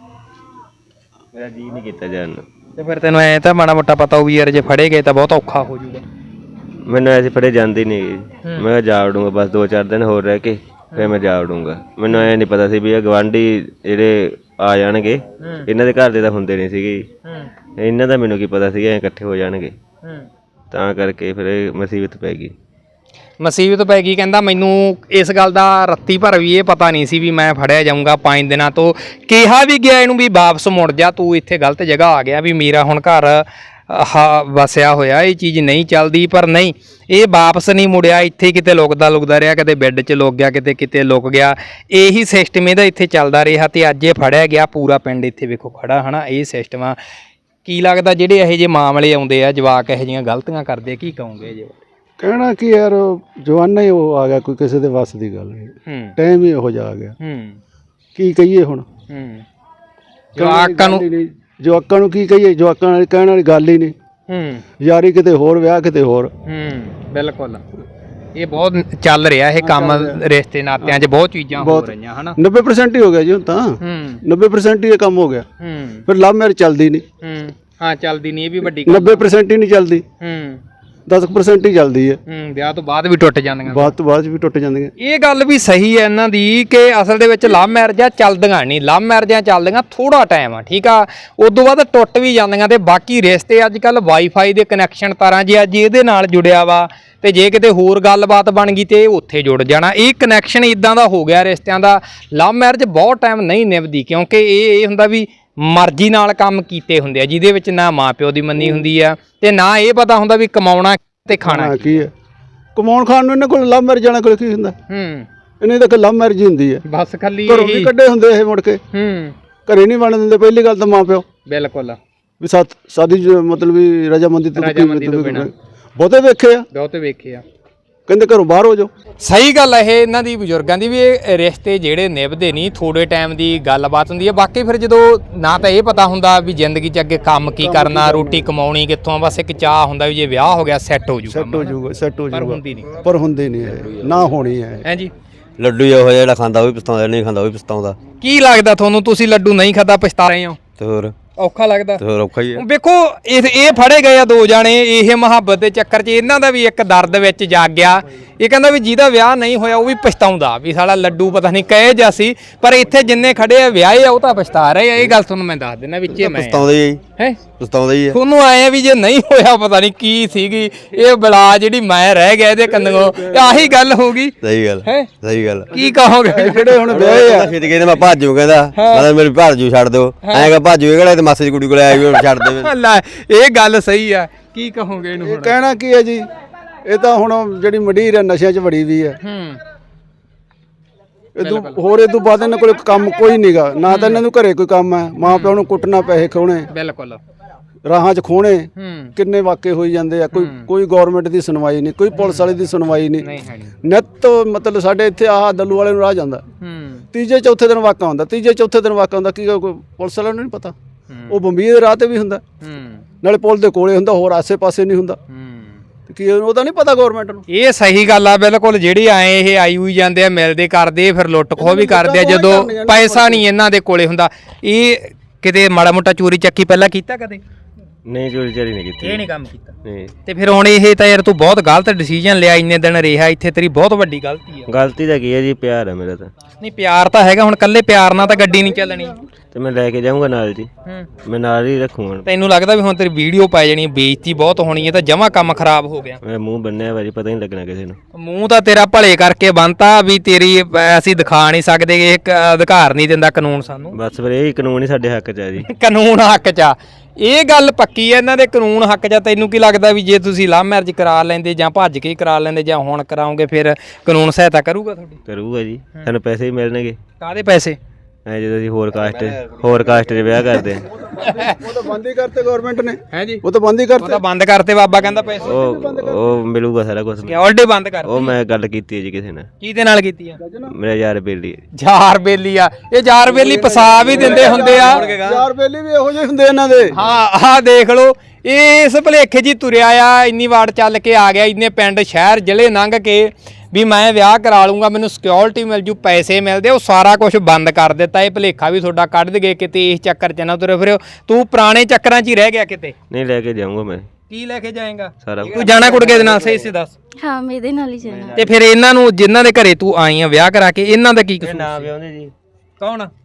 ਮੇਰਾ ਜੀ ਨਹੀਂ ਕੀਤਾ ਜਾਣ ਨੂੰ। ਤੇ ਫਿਰ ਤੈਨੂੰ ਐ ਤਾਂ ਮਾੜਾ ਮੋਟਾ ਪਤਾ ਹੋਊ ਯਾਰ, ਜੇ ਫੜੇ ਗਏ ਤਾਂ ਬਹੁਤ ਔਖਾ ਹੋ ਜਾਊਗਾ। ਮੈਨੂੰ ਐਸੇ ਫੜੇ ਜਾਂਦੇ ਨਹੀਂ ਜੀ। ਮੈਂ ਕਿਹਾ ਜਾ ਵੜੂੰਗਾ ਬਸ ਦੋ ਚਾਰ ਦਿਨ ਹੋਰ ਰਹਿ ਕੇ, ਫਿਰ ਮੈਂ ਜਾ ਵੜੂੰਗਾ। ਮੈਨੂੰ ਐ ਨਹੀਂ ਪਤਾ ਸੀ ਵੀ ਇਹ ਗਵਾਂਢੀ ਜਿਹੜੇ ਆ ਜਾਣਗੇ, ਇਹਨਾਂ ਦੇ ਘਰ ਦੇ ਤਾਂ ਹੁੰਦੇ ਨਹੀਂ ਸੀਗੇ ਜੀ। ਇਹਨਾਂ ਦਾ ਮੈਨੂੰ ਕੀ ਪਤਾ ਸੀਗਾ ਇਕੱਠੇ ਹੋ ਜਾਣਗੇ, ਤਾਂ ਕਰਕੇ ਫਿਰ ਇਹ ਮੁਸੀਬਤ ਪੈ ਗਈ। ਮੁਸੀਬਤ ਪੈ ਗਈ। ਕਹਿੰਦਾ ਮੈਨੂੰ ਇਸ ਗੱਲ ਦਾ ਰੱਤੀ ਭਰ ਵੀ ਇਹ ਪਤਾ ਨਹੀਂ ਸੀ ਵੀ ਮੈਂ ਫੜਿਆ ਜਾਊਂਗਾ ਪੰਜ ਦਿਨਾਂ ਤੋਂ। ਕਿਹਾ ਵੀ ਗਿਆ ਇਹਨੂੰ ਵੀ ਵਾਪਸ ਮੁੜ ਜਾ, ਤੂੰ ਇੱਥੇ ਗਲਤ ਜਗ੍ਹਾ ਆ ਗਿਆ, ਵੀ ਮੇਰਾ ਹੁਣ ਘਰ ਹਾ ਵਸਿਆ ਹੋਇਆ, ਇਹ ਚੀਜ਼ ਨਹੀਂ ਚੱਲਦੀ। ਪਰ ਨਹੀਂ, ਇਹ ਵਾਪਸ ਨਹੀਂ ਮੁੜਿਆ, ਇੱਥੇ ਕਿਤੇ ਲੁਕਦਾ ਲੁਕਦਾ ਰਿਹਾ, ਕਦੇ ਬੈੱਡ 'ਚ ਲੁਕ ਗਿਆ, ਕਿਤੇ ਕਿਤੇ ਲੁਕ ਗਿਆ। ਇਹੀ ਸਿਸਟਮ ਇਹਦਾ ਇੱਥੇ ਚੱਲਦਾ ਰਿਹਾ ਤੇ ਅੱਜ ਇਹ ਫੜਿਆ ਗਿਆ। ਪੂਰਾ ਪਿੰਡ ਇੱਥੇ ਵੇਖੋ ਖੜਾ ਹਨਾ, ਇਹ ਸਿਸਟਮ ਆ। ਕੀ ਲੱਗਦਾ ਜਿਹੜੇ ਇਹੋ ਜਿਹੇ ਮਾਮਲੇ ਆਉਂਦੇ ਆ, ਜਵਾਕ ਇਹੋ ਜਿਹੀਆਂ ਗਲਤੀਆਂ ਕਰਦੇ ਆ, ਕੀ ਕਹੋਗੇ ਜੀ? ਕਹਿਣਾ ਕਿ ਯਾਰ ਜਵਾਨਾ ਹੀ ਉਹ ਆ ਗਿਆ, ਕੋਈ ਕਿਸੇ ਦੇ ਵੱਸ ਦੀ ਗੱਲ ਨਹੀਂ। ਹੂੰ ਟਾਈਮ ਹੀ ਇਹੋ ਜਿਹਾ ਆ ਗਿਆ, ਹੂੰ ਕੀ ਕਹੀਏ ਹੁਣ। ਹੂੰ ਜਵਾਕਾਂ ਨੂੰ ਜਵਾਕਾਂ ਨੂੰ ਕੀ ਕਹੀਏ, ਜਵਾਕਾਂ ਨਾਲ ਕਹਿਣ ਵਾਲੀ ਗੱਲ ਹੀ ਨਹੀਂ। ਹੂੰ ਯਾਰੀ ਕਿਤੇ ਹੋਰ, ਵਿਆਹ ਕਿਤੇ ਹੋਰ। ਹੂੰ ਬਿਲਕੁਲ, ਇਹ ਬਹੁਤ ਚੱਲ ਰਿਹਾ ਇਹ ਕੰਮ, ਰਿਸ਼ਤੇ ਨਾਤਿਆਂ 'ਚ ਬਹੁਤ ਚੀਜ਼ਾਂ ਹੋ ਰਹੀਆਂ ਹਨਾ। ਨੱਬੇ ਪਰਸੈਂਟ ਹੀ ਹੋ ਗਿਆ ਜੀ ਹੁਣ ਤਾਂ, ਹੂੰ ਨੱਬੇ ਪਰਸੈਂਟ ਹੀ ਇਹ ਕੰਮ ਹੋ ਗਿਆ। ਹੂੰ ਫਿਰ ਲਵ ਮੈਰਿਜ ਚੱਲਦੀ ਨਹੀਂ, ਹੂੰ ਹਾਂ ਚੱਲਦੀ ਨਹੀਂ, ਇਹ ਵੀ ਵੱਡੀ ਗੱਲ। ਨੱਬੇ ਪਰਸੈਂਟ ਹੀ ਨਹੀਂ ਚੱਲਦੀ, ਹੂੰ ਦਸ ਪਰਸੈਂਟ ਹੀ ਚੱਲਦੀ ਹੈ। ਹੂੰ ਵਿਆਹ ਤੋਂ ਬਾਅਦ ਵੀ ਟੁੱਟ ਜਾਂਦੀਆਂ। ਬਾਅਦ ਤੋਂ ਬਾਅਦ 'ਚ ਵੀ ਟੁੱਟ ਜਾਂਦੀਆਂ। ਇਹ ਗੱਲ ਵੀ ਸਹੀ ਹੈ ਇਹਨਾਂ ਦੀ ਕਿ ਅਸਲ ਦੇ ਵਿੱਚ ਲਵ ਮੈਰਿਜਾਂ ਚੱਲਦੀਆਂ ਨਹੀਂ, ਲਵ ਮੈਰਿਜਾਂ ਚੱਲਦੀਆਂ ਥੋੜਾ ਟਾਈਮ ਆ, ਠੀਕ ਆ, ਉਦੋਂ ਬਾਅਦ ਟੁੱਟ ਵੀ ਜਾਂਦੀਆਂ। ਤੇ ਬਾਕੀ ਰਿਸ਼ਤੇ ਅੱਜ ਕੱਲ ਵਾਈਫਾਈ ਦੇ ਕਨੈਕਸ਼ਨ ਤਾਰਾਂ ਜੇ ਅੱਜ ਇਹਦੇ ਨਾਲ ਜੁੜਿਆ ਵਾ, ਤੇ ਜੇ ਕਿਤੇ ਹੋਰ ਗੱਲਬਾਤ ਬਣ ਗਈ ਤੇ ਇਹ ਉੱਥੇ ਜੁੜ ਜਾਣਾ। ਇਹ ਕਨੈਕਸ਼ਨ ਇਦਾਂ ਦਾ ਹੋ ਗਿਆ ਰਿਸ਼ਤਿਆਂ ਦਾ। ਲਵ ਮੈਰਿਜ ਬਹੁਤ ਟਾਈਮ ਨਹੀਂ ਨਿਭਦੀ, ਕਿਉਂਕਿ ਇਹ ਇਹ ਹੁੰਦਾ ਵੀ ਮਰਜ਼ੀ ਨਾਲ ਕੰਮ ਕੀਤੇ ਹੁੰਦੇ ਆ, ਜਿਹਦੇ ਵਿੱਚ ਨਾ ਮਾਂ ਪਿਓ ਦੀ ਮੰਨੀ ਹੁੰਦੀ ਆ ਤੇ ਨਾ ਇਹ ਪਤਾ ਹੁੰਦਾ ਵੀ ਕਮਾਉਣਾ ਤੇ ਖਾਣਾ ਕੀ ਹੈ। ਕਮਾਉਣ ਖਾਣ ਨੂੰ ਇਹਨਾਂ ਕੋਲ ਲਵ ਮੈਰਿਜ ਜਾਣਾ ਕੋਲ ਕੀ ਹੁੰਦਾ। ਹੂੰ ਇਹਨਾਂ ਦਾ ਲਵ ਮੈਰਿਜ ਹੀ ਹੁੰਦੀ ਹੈ, ਬਸ ਖਾਲੀ ਘਰੋਂ ਵੀ ਕੱਢੇ ਹੁੰਦੇ ਇਹ ਮੁੜ ਕੇ। ਹੂੰ ਘਰੇ ਨਹੀਂ ਬਣ ਦਿੰਦੇ ਪਹਿਲੀ ਗੱਲ ਤਾਂ ਮਾਂ ਪਿਓ, ਬਿਲਕੁਲ ਵੀ ਸਾਥ ਸਾਦੀ ਮਤਲਬ ਵੀ ਰਜਾਮੰਦੀ ਤੋਂ ਰਜਾਮੰਦੀ ਤੋਂ ਬਿਨਾਂ ਬਹੁਤੇ ਵੇਖੇ ਆ, ਬਹੁਤੇ ਵੇਖੇ ਆ। ਕਹਿੰਦੇ ਘਰੋਂ ਬਾਹਰ ਹੋ ਜਾਓ। ਸਹੀ ਗੱਲ ਹੈ ਇਹ ਇਹਨਾਂ ਦੀ, ਬਜ਼ੁਰਗਾਂ ਦੀ ਵੀ। ਇਹ ਰਿਸ਼ਤੇ ਜਿਹੜੇ ਨਿਭਦੇ ਨਹੀਂ, ਥੋੜੇ ਟਾਈਮ ਦੀ ਗੱਲਬਾਤ ਹੁੰਦੀ ਹੈ। ਬਾਕੀ ਫਿਰ ਜਦੋਂ ਨਾ ਤਾਂ ਇਹ ਪਤਾ ਹੁੰਦਾ ਵੀ ਜ਼ਿੰਦਗੀ 'ਚ ਅੱਗੇ ਕੰਮ ਕੀ ਕਰਨਾ, ਰੋਟੀ ਕਮਾਉਣੀ ਕਿੱਥੋਂ, ਬਸ ਇੱਕ ਚਾਹ ਹੁੰਦਾ ਵੀ ਜੇ ਵਿਆਹ ਹੋ ਗਿਆ ਸੈੱਟ ਹੋ ਜੂਗਾ। ਸੈੱਟ ਹੋ ਜਾਊਗਾ, ਸੈੱਟ ਹੋ ਪਰ ਜਾਊਗਾ, ਹੁੰਦੀ ਨਹੀਂ, ਪਰ ਹੁੰਦੀ ਨਹੀਂ ਹੈ, ਨਾ ਹੋਣੀ ਹੈ। ਹੈ ਜੀ। ਲੱਡੂ ਇਹੋ ਜਿਹਾ ਜਿਹੜਾ ਖਾਂਦਾ ਉਹ ਵੀ ਪਛਤਾਉਂਦਾ, ਨਹੀਂ ਖਾਂਦਾ ਉਹ ਵੀ ਪਛਤਾਉਂਦਾ। ਕੀ ਲੱਗਦਾ ਤੁਹਾਨੂੰ, ਤੁਸੀਂ ਲੱਡੂ ਨਹੀਂ ਖਾਦਾ ਪਛਤਾ ਰਹੇ ਹੋ? ਤੇ ਹੋਰ ਔਖਾ ਲੱਗਦਾ? ਤੇ ਹੋਰ ਔਖਾ ਹੀ ਹੈ। ਵੇਖੋ ਇਹ ਇਹ ਫੜੇ ਗਏ ਆ ਦੋ ਜਾਣੇ, ਇਹ ਮੁਹੱਬਤ ਦੇ ਚੱਕਰ 'ਚ ਇਹਨਾਂ ਦਾ ਵੀ ਇੱਕ ਦਰਦ ਵਿੱਚ ਜਾਗ ਗਿਆ। ਇਹ ਕਹਿੰਦਾ ਵੀ ਜਿਹਦਾ ਵਿਆਹ ਨਹੀਂ ਹੋਇਆ ਉਹ ਵੀ ਪਛਤਾਉਂਦਾ ਵੀ ਸਾਲਾ ਲੱਡੂ ਪਤਾ ਨਹੀਂ ਕਹੇ ਜਾ ਸੀ। ਪਰ ਇੱਥੇ ਜਿੰਨੇ ਖੜੇ ਆ ਵਿਆਹੇ ਆ ਉਹ ਤਾਂ ਪਛਤਾ ਰਹੇ ਆ। ਇਹ ਗੱਲ ਤੁਹਾਨੂੰ ਮੈਂ ਦੱਸ ਦਿੰਦਾ ਵਿੱਚੇ ਮੈਂ ਪਛਤਾਉਂਦਾ ਹੀ ਹੈ, ਪਛਤਾਉਂਦਾ ਹੀ ਹੈ। ਤੁਹਾਨੂੰ ਆਏ ਆ ਵੀ ਜੇ ਨਹੀਂ ਹੋਇਆ ਪਤਾ ਨਹੀਂ ਕੀ ਸੀਗੀ ਇਹ ਬਲਾ ਜਿਹੜੀ ਮੈਂ ਰਹਿ ਗਿਆ ਇਹਦੇ ਕੰਨੋਂ, ਆਹੀ ਗੱਲ ਹੋ ਗਈ। ਸਹੀ ਗੱਲ ਹੈ, ਸਹੀ ਗੱਲ। ਕੀ ਕਹੋਗੇ? ਜਿਹੜੇ ਹੁਣ ਵਿਆਹੇ ਆ, ਛੇਤੀ ਕਹਿੰਦੇ ਮੈਂ ਭਾਜੂ, ਕਹਿੰਦਾ ਮੈਂ ਮੇਰੀ ਭਾਜੂ ਛੱਡ ਦਿਓ, ਐਂ ਕਹ ਭਾਜੂ ਇਹ ਕਿਹੜਾ ਤੇ ਮਾਸੀ ਦੀ ਕੁੜੀ ਕੋਲ ਆਇਆ ਵੀ ਛੱਡ ਦੇ। ਲੈ ਇਹ ਗੱਲ ਸਹੀ ਆ, ਕੀ ਕਹੋਗੇ ਇਹਨੂੰ ਹੁਣ? ਕਹਿਣਾ ਕੀ ਹੈ ਜੀ, ਇਹ ਤਾਂ ਹੁਣ ਜਿਹੜੀ ਮੰਡੀਰ ਹੈ ਨਸ਼ਿਆਂ 'ਚ ਵੜੀ ਵੀ ਹੈ। ਹੂੰ ਇਦੋਂ ਹੋਰ ਇਦੋਂ ਬਾਅਦ ਇਹਨਾਂ ਕੋਲ ਕੰਮ ਕੋਈ ਨਹੀਂਗਾ, ਨਾ ਤਾਂ ਇਹਨਾਂ ਨੂੰ ਘਰੇ ਕੋਈ ਕੰਮ ਹੈ। ਮਾਂ ਪਿਓ ਨੂੰ ਕੁੱਟਣਾ, ਪੈਸੇ ਖੋਣੇ, ਬਿਲਕੁਲ ਰਾਹਾਂ 'ਚ ਖੋਣੇ, ਹੂੰ ਕਿੰਨੇ ਵਾਕੇ ਹੋਈ ਜਾਂਦੇ ਆ। ਕੋਈ ਕੋਈ ਗਵਰਨਮੈਂਟ ਦੀ ਸੁਣਵਾਈ ਨਹੀਂ, ਕੋਈ ਪੁਲਿਸ ਵਾਲੇ ਦੀ ਸੁਣਵਾਈ ਨਹੀਂ। ਨਹੀਂ ਹੈ ਨਹੀਂ। ਨਿੱਤ ਮਤਲਬ ਸਾਡੇ ਇੱਥੇ ਆਹ ਦੱਲੂ ਵਾਲੇ ਨੂੰ ਰਾਹ ਜਾਂਦਾ, ਹੂੰ ਤੀਜੇ ਚੌਥੇ ਦਿਨ ਵਾਕਾ ਹੁੰਦਾ, ਤੀਜੇ ਚੌਥੇ ਦਿਨ ਵਾਕਾ ਹੁੰਦਾ। ਕੀ ਕੋਈ ਪੁਲਿਸ ਵਾਲਿਆਂ ਨੂੰ ਨਹੀਂ ਪਤਾ, ਉਹ ਬੰਬੀ ਦੇ ਰਾਹ ਤੇ ਵੀ ਹੁੰਦਾ, ਹੂੰ ਨਾਲੇ ਪੁਲ ਦੇ ਕੋਲੇ ਹੁੰਦਾ, ਹੋਰ ਆਸੇ-ਪਾਸੇ ਨਹੀਂ ਹੁੰਦਾ। ਹੂੰ ਕੀ ਉਹਦਾ ਨਹੀਂ ਪਤਾ ਗਵਰਨਮੈਂਟ ਨੂੰ। ਇਹ ਸਹੀ ਗੱਲ ਆ ਬਿਲਕੁਲ। ਜਿਹੜੀ ਆਏ ਇਹ ਆਈ ਹੋਈ ਜਾਂਦੇ ਆ, ਮਿਲਦੇ ਕਰਦੇ, ਫਿਰ ਲੁੱਟ ਖੋਹ ਵੀ ਕਰਦੇ ਆ ਜਦੋਂ ਪੈਸਾ ਨਹੀਂ ਇਹਨਾਂ ਦੇ ਕੋਲੇ ਹੁੰਦਾ। ਇਹ ਕਿਤੇ ਮਾੜਾ ਮੋਟਾ ਚੋਰੀ ਚੱਕੀ ਪਹਿਲਾਂ ਕੀਤਾ ਕਦੇ? ਨਹੀਂ ਚੋਰੀ ਚਾਰੀ ਨਹੀਂ ਕੀਤੀ। ਇਹ ਨਹੀਂ ਕੰਮ ਕੀਤਾ ਨਹੀਂ, ਤੇ ਫਿਰ ਹੁਣ ਇਹ ਤਾਂ ਯਾਰ ਤੂੰ ਬਹੁਤ ਗਲਤ ਡਿਸੀਜਨ ਲਿਆ, ਇੰਨੇ ਦਿਨ ਰਿਹਾ ਇੱਥੇ, ਤੇਰੀ ਬਹੁਤ ਵੱਡੀ ਗਲਤੀ ਆ। ਗਲਤੀ ਤਾਂ ਕੀ ਹੈ ਜੀ, ਪਿਆਰ ਹੈ ਮੇਰਾ ਤਾਂ। ਨਹੀਂ ਪਿਆਰ ਤਾਂ ਹੈਗਾ, ਹੁਣ ਕੱਲੇ ਪਿਆਰ ਨਾਲ ਤਾਂ ਗੱਡੀ ਨਹੀਂ ਚੱਲਣੀ। ਤੇ ਮੈਂ ਲੈ ਕੇ ਜਾਊਂਗਾ ਨਾਲ ਜੀ, ਹੂੰ ਮੈਂ ਨਾਲ ਹੀ ਰੱਖੂਗਾ। ਤੈਨੂੰ ਲੱਗਦਾ ਵੀ ਹੁਣ ਤੇਰੀ ਵੀਡੀਓ ਪੈ ਜਾਣੀ, ਬੇਇੱਜ਼ਤੀ ਬਹੁਤ ਹੋਣੀ ਹੈ, ਤਾਂ ਜਮਾ ਕੰਮ ਖਰਾਬ ਹੋ ਗਿਆ। ਮੈਂ ਮੂੰਹ ਬੰਨਿਆ ਭਾਜੀ, ਪਤਾ ਨਹੀਂ ਲੱਗਣਾ ਕਿਸੇ ਨੂੰ। ਮੂੰਹ ਤਾਂ ਤੇਰਾ ਭਲੇ ਕਰਕੇ ਬੰਨਤਾ ਵੀ ਤੇਰੀ ਅਹ, ਅਸੀਂ ਦਿਖਾ ਨਹੀਂ ਸਕਦੇ, ਇੱਕ ਅਧਿਕਾਰ ਨਹੀਂ ਦਿੰਦਾ ਕਾਨੂੰਨ ਸਾਨੂੰ। ਬਸ ਫਿਰ ਇਹ ਕਾਨੂੰਨ ਹੀ ਸਾਡੇ ਹੱਕ 'ਚ ਹੈ ਜੀ। ਕਾਨੂੰਨ ਹੱਕ 'ਚ ਆ, ਇਹ ਗੱਲ ਪੱਕੀ ਹੈ ਇਹਨਾਂ ਦੇ, ਕਾਨੂੰਨ ਹੱਕ 'ਚ ਆ। ਤੈਨੂੰ ਕੀ ਲੱਗਦਾ ਵੀ ਜੇ ਤੁਸੀਂ ਲਵ ਮੈਰਿਜ ਕਰਾ ਲੈਂਦੇ ਜਾਂ ਭੱਜ ਕੇ ਕਰਾ ਲੈਂਦੇ ਜਾਂ ਹੁਣ ਕਰਾਓਗੇ ਫਿਰ ਕਾਨੂੰਨ ਸਹਾਇਤਾ ਕਰੂਗਾ ਤੁਹਾਡੀ? ਕਰੂਗਾ ਜੀ, ਸਾਨੂੰ ਪੈਸੇ ਵੀ ਮਿਲਣਗੇ। ਕਾਹਦੇ ਪੈਸੇ? ਐ ਜਦੋਂ ਅਸੀਂ ਹੋਰ ਕਾਸਟ ਹੋਰ ਕਾਸਟ 'ਚ ਵਿਆਹ ਕਰਦੇ ਹਾਂ। ਉਹ ਤਾਂ ਬੰਦ ਹੀ ਕਰਤੇ ਗਵਰਨਮੈਂਟ ਨੇ। ਹੈ ਜੀ, ਉਹ ਤਾਂ ਬੰਦ ਹੀ ਉਹ ਕਰਤੇ। ਤਾਂ ਬੰਦ ਕਰਤੇ ਬਾਬਾ ਕਹਿੰਦਾ ਪੈਸੇ। ਉਹ ਉਹ ਮਿਲੂਗਾ ਸਾਰਾ ਕੁਝ। ਸਿਕਿਉਰਿਟੀ ਬੰਦ ਕਰਤੀ। ਉਹ ਮੈਂ ਗੱਲ ਕੀਤੀ ਹੈ ਜੀ ਕਿਸੇ ਨਾਲ, ਕਿਹਦੇ ਨਾਲ ਕੀਤੀ ਆ? ਮੇਰਾ ਯਾਰ ਬੇਲੀ ਹੈ। ਜਾਰ ਬੇਲੀ ਆ, ਇਹ ਜਾਰ ਬੇਲੀ ਪਸਾ ਵੀ ਦਿੰਦੇ ਹੁੰਦੇ ਆ। ਯਾਰ ਬੇਲੀ ਵੀ ਇਹੋ ਜਿਹੇ ਹੁੰਦੇ ਇਹਨਾਂ ਦੇ। ਹਾਂ ਆਹ ਦੇਖ ਲਓ, ਇਹ ਇਸ ਭੁਲੇਖੇ ਜੀ ਤੁਰਿਆ ਆ, ਇੰਨੀ ਵਾਰ ਚੱਲ ਕੇ ਆ ਗਿਆ, ਇੰਨੇ ਪਿੰਡ ਸ਼ਹਿਰ ਜ਼ਿਲ੍ਹੇ ਲੰਘ ਕੇ ਵੀ ਮੈਂ ਵਿਆਹ ਕਰਾ ਲੂੰਗਾ, ਮੈਨੂੰ ਸਿਕਿਉਰਿਟੀ ਮਿਲ ਜੂ, ਪੈਸੇ ਮਿਲਦੇ, ਉਹ ਸਾਰਾ ਕੁਝ ਬੰਦ ਕਰ ਦਿੱਤਾ। ਇਹ ਭੁਲੇਖਾ ਵੀ ਤੁਹਾਡਾ ਕੱਢ ਦਗੇ, ਕਿਤੇ ਇਸ ਚੱਕਰ 'ਚ ਨਾ ਤੁਰੇ ਫਿਰਿਓ। ਤੂੰ ਪੁਰਾਣੇ ਚੱਕਰਾਂ 'ਚ ਹੀ ਰਹਿ ਗਿਆ ਕਿਤੇ। ਨਹੀਂ ਲੈ ਕੇ ਜਾਊਂਗਾ ਮੈਂ। ਕੀ ਲੈ ਕੇ ਜਾਏਗਾ? ਸਾਰਾ ਤੂੰ ਜਾਣਾ ਕੁੜਗੇ ਦੇ ਨਾਲ, ਸਹੀ ਸੀ ਦੱਸ। ਹਾਂ ਮੈਂ ਇਹਦੇ ਨਾਲ ਹੀ ਜਾਣਾ। ਤੇ ਫਿਰ ਇਹਨਾਂ ਨੂੰ ਜਿਨ੍ਹਾਂ ਦੇ ਘਰੇ ਤੂੰ ਆਈ ਆ ਵਿਆਹ ਕਰਾ ਕੇ, ਇਹਨਾਂ ਦਾ ਕੀ ਕਸੂਰ? ਨਾ ਵਿਆਹੁੰਦੇ ਜੀ। ਕੌਣ?